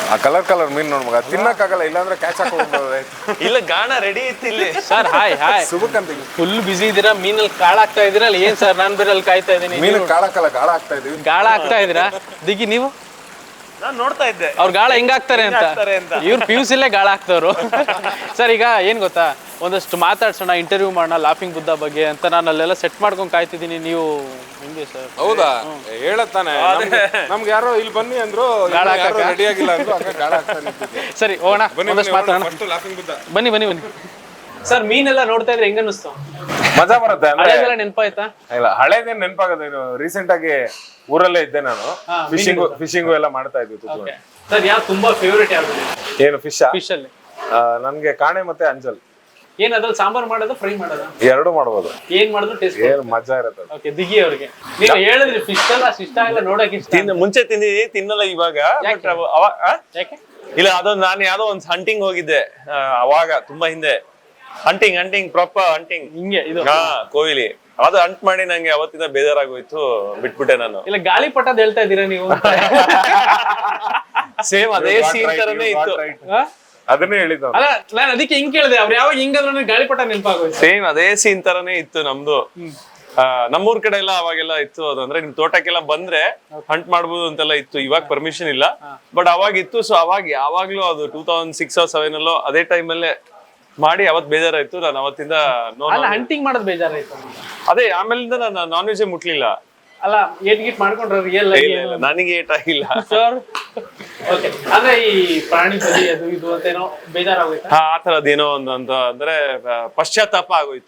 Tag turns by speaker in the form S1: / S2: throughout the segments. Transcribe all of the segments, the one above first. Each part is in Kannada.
S1: ಆ ಕಲರ್ ಮೀನ್ ನೋಡ್ ಮಗ ತಿನ್ನಕ್ಕಾಗಲ್ಲ, ಇಲ್ಲಾಂದ್ರೆ ಕ್ಯಾಚ್ ಹಾಕೊಂಡು
S2: ಇಲ್ಲ ಗಾಣ ರೆಡಿ ಇತ್ತು ಇಲ್ಲಿ.
S3: ಸರ್ ಹಾಯ್
S1: ಸುಬಕಂತ
S3: ಫುಲ್ ಬಿಸಿ ಇದೀರಾ, ಮೀನಲ್ಲಿ ಕಾಳ ಹಾಕ್ತಾ ಇದೀರಾ ಅಲ್ಲಿ? ಏನ್ ಸರ್ ನಾನ್ ಬೇರೆ ಅಲ್ಲಿ ಕಾಯ್ತಾ ಇದೀನಿ.
S1: ಮೀನು ಕಾಳಕ್ಕಲ್ಲ, ಗಾಳ ಹಾಕ್ತಾ ಇದೀವಿ.
S3: ಗಾಳ ಹಾಕ್ತಾ ಇದೀರಾ ದಿಗಿ ನೀವು?
S2: ನಾನ್ ನೋಡ್ತಾ ಇದ್ದೆ
S3: ಅವ್ರ ಗಾಳ ಹೆಂಗ್ ಹಾಕ್ತಾರೆ ಅಂತ. ಇವ್ರು ಪಿಯುಸಿಲೇ ಗಾಳ ಹಾಕ್ತವ್ರು. ಸರ್ ಈಗ ಏನ್ ಗೊತ್ತಾ, ಒಂದಷ್ಟು ಮಾತಾಡ್ಸೋಣ, ಇಂಟರ್ವ್ಯೂ ಮಾಡೋಣ ಲಾಫಿಂಗ್ ಬುದ್ಧ ಬಗ್ಗೆ ಅಂತ ನಾನು ಅಲ್ಲೆಲ್ಲ ಸೆಟ್ ಮಾಡ್ಕೊಂಡು ಕಾಯ್ತಿದ್ದೀನಿ. ನೀವು ಹೆಂಗೆ ಸರ್?
S1: ಹೌದಾ, ಹೇಳತ್ತಾನೆ ನಮ್ಗೆ ಯಾರೋ ಇಲ್ಲಿ ಬನ್ನಿ ಅಂದ್ರು, ರೆಡಿ ಆಗಿಲ್ಲ ಅಂದ್ರು, ಗಾಳ ಹಾಕ್ತಾನೆ.
S3: ಸರಿ ಹೋಗೋಣ, ಒಂದಷ್ಟು ಮಾತಾಡೋಣ. ಬನ್ನಿ ಬನ್ನಿ ಬನ್ನಿ. ಸರ್ ಮೀನೆಲ್ಲ ನೋಡ್ತಾ ಇದ್ರೆ ಹೆಂಗ ಅನ್ನಿಸ್ತು?
S1: ಮಜಾ ಬರುತ್ತೆ.
S3: ಹಳೆದೆಲ್ಲ ನೆನಪಾಯ್ತಾ?
S1: ಇಲ್ಲ, ಹಳೇದೇನ್ ನೆನಪಾಗದ. ರೀಸೆಂಟ್ ಆಗಿ ಊರಲ್ಲೇ ಇದ್ದೆ ನಾನು, ಫಿಶಿಂಗು ಎಲ್ಲ ಮಾಡ್ತಾ ಇದ್ವಿ.
S3: ಸರ್ ಯಾವ ತುಂಬಾ ಫೇವರೇಟ್ ಯಾವ್ದು?
S1: ಏನು ಫಿಶ್
S3: ಅಲ್ಲಿ
S1: ನನ್ಗೆ ಕಾಣೆ ಮತ್ತೆ ಅಂಜಲ್.
S3: ಏನ್ ಅದ್ರಲ್ಲಿ ಸಾಂಬಾರ್ ಮಾಡೋದು, ಫ್ರೈ ಮಾಡೋದು?
S1: ಎರಡು ಮಾಡ್ಬೋದು.
S3: ಏನ್ ಮಾಡಿದ್ರು ಟೇಸ್ಟ್
S1: ಏನು ಮಜಾ ಇರುತ್ತೆ.
S3: ಓಕೆ, ದಿಗಿ ಅವ್ರಿಗೆ ನೀವು ಹೇಳಿದ್ರಿ ಫಿಶ್ ಎಲ್ಲ ಇಷ್ಟ ಆಗಲ್ಲ, ನೋಡಕ್ ಇಷ್ಟ.
S2: ಮುಂಚೆ ತಿಂದಿದ್ದೀನಿ, ತಿನ್ನಲ್ಲ ಇವಾಗ.
S3: ಯಾಕೆ?
S2: ಇಲ್ಲ, ಅದೊಂದು ನಾನು ಯಾವ್ದೋ ಒಂದು ಹಂಟಿಂಗ್ ಹೋಗಿದ್ದೆ ಅವಾಗ, ತುಂಬಾ ಹಿಂದೆ. ಹಂಟಿಂಗ್ ಪ್ರಾಪರ್ ಹಂಟಿಂಗ್
S3: ಹಿಂಗೆ ಇದು
S2: ಕೋವಿಲಿ ಅದು ಹಂಟ್ ಮಾಡಿ ನಂಗೆ ಅವತ್ತಿಂದ ಬೇಜಾರಾಗೋಯ್ತು, ಬಿಟ್ಬಿಟ್ಟೆ ನಾನು.
S3: ಇಲ್ಲ ಗಾಳಿಪಟದ ಹೇಳ್ತಾ ಇದ್ದೀರಾ ನೀವು?
S2: ಸೇಮ್ ಅದೇ ಸೀನ್ ತರನೇ ಇತ್ತು.
S1: ಅದನ್ನೇ ಹೇಳಿದ್ದು.
S3: ಅಲ್ಲ ನಾನು ಅದಕ್ಕೆ ಹಿಂಗ್ ಕೇಳಿದೆ, ಅವ್ರು ಯಾವಾಗ ಹಿಂಗಾದ್ರು ಗಾಳಿಪಟ ನೆನಪಾಗೋಯ್ತು.
S2: ಸೇಮ್ ಅದೇ ಸೀನ್ ತರನೇ ಇತ್ತು ನಮ್ದು. ನಮ್ಮೂರ್ ಕಡೆ ಎಲ್ಲ ಅವಾಗೆಲ್ಲ ಇತ್ತು ಅದು. ಅಂದ್ರೆ ನಿಮ್ ತೋಟಕ್ಕೆಲ್ಲ ಬಂದ್ರೆ ಹಂಟ್ ಮಾಡ್ಬೋದು ಅಂತೆಲ್ಲ ಇತ್ತು. ಇವಾಗ ಪರ್ಮಿಷನ್ ಇಲ್ಲ, ಬಟ್ ಅವಾಗ ಇತ್ತು. ಸೊ ಅವಾಗ ಯಾವಾಗ್ಲೂ ಅದು 2006 or 2007 ಅಲ್ಲೋ ಅದೇ ಟೈಮಲ್ಲೇ ಮಾಡಿ ಅವತ್ ಬೇಜಾರಾಯ್ತು. ನಾನು ಅವತ್ತಿಂದ
S3: ಹಂಟಿಂಗ್ ಮಾಡೋದು ಬೇಜಾರಾಯ್ತು.
S2: ಅದೇ ಆಮೇಲಿಂದ ನಾನು ನಾನ್ ವೆಜ್ ಮುಟ್ಲಿಲ್ಲ.
S3: ಅಲ್ಲ ಏಟ್ ಗಿಟ್ ಮಾಡ್ಕೊಂಡ್ರೆ
S2: ನನಗೆ ಏಟ್ ಆಗಿಲ್ಲ
S3: ಸರ್. ಓಕೆ, ಅಂದ್ರೆ ಈ ಪ್ರಾಣಿ ಬಲಿ ಅದು ಇದು ಅಂತ ಏನೋ ಬೇಜಾರಾಗೋಯ್ತು.
S2: ಆ ತರದೇನೋ ಒಂದು ಅಂತ ಅಂದ್ರೆ ಪಶ್ಚಾತ್ತಾಪ ಆಗೋಯ್ತು.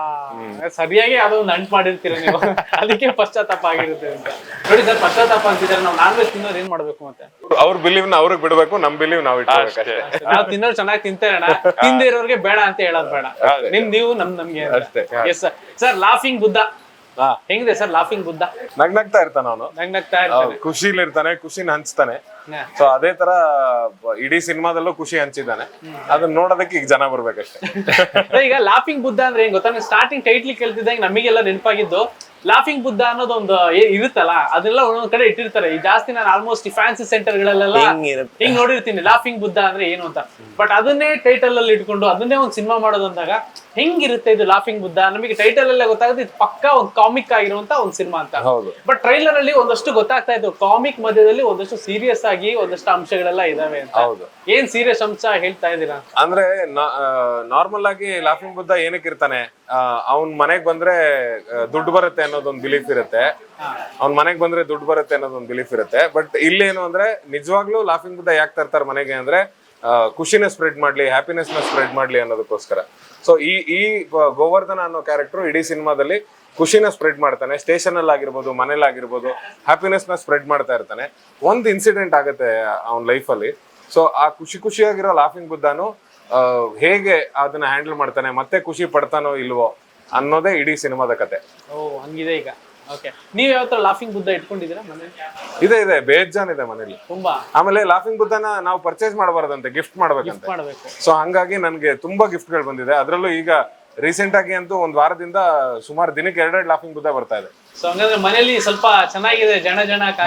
S3: ಸರಿಯಾಗಿ ಯಾವ್ದೋ ಒಂದು ಅಂಟ್ ಮಾಡಿರ್ತೀರ ನೀವು, ಅದಕ್ಕೆ ಪಶ್ಚಾತ್ತಾಪ ಆಗಿರುತ್ತೆ ಅಂತ. ನೋಡಿ ಸರ್, ಪಶ್ಚಾತ್ತಾಪ ಅಂತಿದ್ದಾರೆ. ನಾವು ನಾನ್ ವೆಜ್ ತಿನ್ನೋರು ಏನ್ ಮಾಡ್ಬೇಕು ಮತ್ತೆ?
S1: ಅವ್ರ ಬಿಲೀವ್ ನ ಅವ್ರಿಗೆ ಬಿಡ್ಬೇಕು, ನಮ್ ಬಿಲೀವ್ ನಾವ್ ಇಟ್ಕೋಬೇಕು.
S3: ನಾವು ತಿನ್ನೋರು ಚೆನ್ನಾಗಿ ತಿಂತೇಣ, ತಿಂದೇ ಇರೋರಿಗೆ ಬೇಡ ಅಂತ ಹೇಳೋದು ಬೇಡ. ನೀವು ನಮ್ಗೆ ಅಷ್ಟೇ. Yes sir. Sir laughing Buddha ಹೆಂಗಿದೆ ಸರ್? ಲಾಫಿಂಗ್ ಬುದ್ಧ
S1: ನಗ್ನಗ್ತಾ ಇರ್ತಾನ ಅವನು,
S3: ನಗ್ನಗ್ತಾ ಇರ್ತಾನೆ,
S1: ಖುಷಿಲಿ ಇರ್ತಾನೆ, ಖುಷಿನ ಹಂಚ್ತಾನೆ. ಸೊ ಅದೇ ತರ ಇಡೀ ಸಿನಿಮಾದಲ್ಲೂ ಖುಷಿ ಹಂಚಿದ್ದಾನೆ. ಅದನ್ನ ನೋಡೋದಕ್ಕೆ ಈಗ ಜನ ಬರ್ಬೇಕಷ್ಟೇ.
S3: ಈಗ ಲಾಫಿಂಗ್ ಬುದ್ಧ ಅಂದ್ರೆ ಏನ್ ಗೊತ್ತಾ, ಸ್ಟಾರ್ಟಿಂಗ್ ಟೈಟ್ಲಿ ಕೇಳ್ತಿದ್ದಂಗೆ ನಮಗೆಲ್ಲ ನೆನಪಾಗಿದ್ದು ಲಾಫಿಂಗ್ ಬುದ್ಧ ಅನ್ನೋದೊಂದು ಇರುತ್ತಲ್ಲ, ಅದೆಲ್ಲ ಒಂದೊಂದ್ ಕಡೆ ಇಟ್ಟಿರ್ತಾರೆ. ಈ ಜಾಸ್ತಿ ನಾನು ಆಲ್ಮೋಸ್ಟ್ ಈ ಫ್ಯಾನ್ಸಿ ಸೆಂಟರ್ ಗಳಲ್ಲೆಲ್ಲ ಹಿಂಗ್ ನೋಡಿರ್ತೀನಿ ಲಾಫಿಂಗ್ ಬುದ್ಧ ಅಂದ್ರೆ ಏನು ಅಂತ. ಬಟ್ ಅದನ್ನೇ ಟೈಟಲ್ ಅಲ್ಲಿ ಇಟ್ಕೊಂಡು ಅದನ್ನೇ ಒಂದ್ ಸಿನಿಮಾ ಮಾಡೋದು ಅಂದಾಗ ಹೆಂಗಿರುತ್ತೆ ಇದು ಲಾಫಿಂಗ್ ಬುದ್ಧ? ನಮಗೆ ಟೈಟಲ್ ಅಲ್ಲೇ ಗೊತ್ತಾಗುತ್ತೆ ಇದು ಪಕ್ಕಾ ಒಂದು ಕಾಮಿಕ್ ಆಗಿರುವಂತ ಒಂದು ಸಿನಿಮಾ ಅಂತ. ಬಟ್ ಟ್ರೈಲರ್ ಅಲ್ಲಿ ಒಂದಷ್ಟು ಗೊತ್ತಾಗ್ತಾ ಇತ್ತು, ಕಾಮಿಕ್ ಮಧ್ಯದಲ್ಲಿ ಒಂದಷ್ಟು ಸೀರಿಯಸ್ ಆಗಿ ಒಂದಷ್ಟು ಅಂಶಗಳೆಲ್ಲ ಇದಾವೆ ಅಂತ. ಏನ್ ಸೀರಿಯಸ್ ಅಂಶ ಹೇಳ್ತಾ ಇದ್ದೀರಾ?
S1: ಅಂದ್ರೆ ನಾರ್ಮಲ್ ಆಗಿ ಲಾಫಿಂಗ್ ಬುದ್ಧ ಏನಕ್ಕೆ ಇರ್ತಾನೆ, ಅವ್ನ್ ಮನೆಗ್ ಬಂದ್ರೆ ದುಡ್ಡು ಬರುತ್ತೆ ಅನ್ನೋದೊಂದು ಬಿಲೀಫ್ ಇರುತ್ತೆ. ಅವ್ನ್ ಮನೆಗ್ ಬಂದ್ರೆ ದುಡ್ಡು ಬರುತ್ತೆ ಅನ್ನೋದೊಂದು ಬಿಲೀಫ್ ಇರುತ್ತೆ. ಬಟ್ ಇಲ್ಲೇನು ಅಂದ್ರೆ ನಿಜವಾಗ್ಲೂ ಲಾಫಿಂಗ್ ಬುದ್ಧ ಯಾಕೆ ತರ್ತಾರೆ ಮನೆಗೆ ಅಂದ್ರೆ ಖುಷಿನ ಸ್ಪ್ರೆಡ್ ಮಾಡ್ಲಿ, ಹ್ಯಾಪಿನೆಸ್ ನ ಸ್ಪ್ರೆಡ್ ಮಾಡ್ಲಿ ಅನ್ನೋದಕ್ಕೋಸ್ಕರ. ಸೊ ಈ ಗೋವರ್ಧನ ಅನ್ನೋ ಕ್ಯಾರೆಕ್ಟರ್ ಇಡೀ ಸಿನಿಮಾದಲ್ಲಿ ಖುಷಿನ ಸ್ಪ್ರೆಡ್ ಮಾಡ್ತಾನೆ. ಸ್ಟೇಷನ್ ಅಲ್ಲಿ ಆಗಿರ್ಬೋದು, ಮನೇಲಿ ಆಗಿರ್ಬೋದು, ಹ್ಯಾಪಿನೆಸ್ ನ ಸ್ಪ್ರೆಡ್ ಮಾಡ್ತಾ ಇರ್ತಾನೆ. ಒಂದು ಇನ್ಸಿಡೆಂಟ್ ಆಗುತ್ತೆ ಅವನ ಲೈಫ್ ಅಲ್ಲಿ. ಸೊ ಆ ಖುಷಿಯಾಗಿರೋ ಲಾಫಿಂಗ್ ಬುದ್ಧನು ಹೇಗೆ ಅದನ್ನ ಹ್ಯಾಂಡಲ್ ಮಾಡ್ತಾನೆ, ಮತ್ತೆ ಖುಷಿ ಪಡ್ತಾನೋ ಇಲ್ವೋ ಅನ್ನೋದೇ ಇಡೀ ಸಿನಿಮಾದ ಕತೆ.
S3: ಓ ಹಂಗಿದೆ ಈಗ. ಓಕೆ, ನೀವ್ ಯಾವ ತರ ಲಾಫಿಂಗ್ ಬುದ್ಧ ಇಟ್ಕೊಂಡಿದ್ದೀರಾ ಮನೇಲಿ?
S1: ಇದೆ ಬೇಜಾನ್ ಇದೆ ಮನೇಲಿ ತುಂಬಾ. ಆಮೇಲೆ ಲಾಫಿಂಗ್ ಬುದ್ಧನ ನಾವು ಪರ್ಚೇಸ್ ಮಾಡಬಾರ್ದಂತೆ, ಗಿಫ್ಟ್ ಮಾಡ್ಬೇಕಂತೆ. ಸೊ ಹಂಗಾಗಿ ನನ್ಗೆ ತುಂಬಾ ಗಿಫ್ಟ್ ಗಳು ಬಂದಿದೆ. ಅದ್ರಲ್ಲೂ ಈಗ ರೀಸೆಂಟ್ ಆಗಿ ಅಂತೂ ಒಂದ್ ವಾರದಿಂದ ಸುಮಾರು ದಿನಕ್ಕೆ 2 ಲಾಫಿಂಗ್ ಬುದ್ಧ ಬರ್ತಾ ಇದೆ.
S3: ಸೊ ಹಂಗಂದ್ರೆ ಮನೇಲಿ ಸ್ವಲ್ಪ ಚೆನ್ನಾಗಿದೆ, ಜನ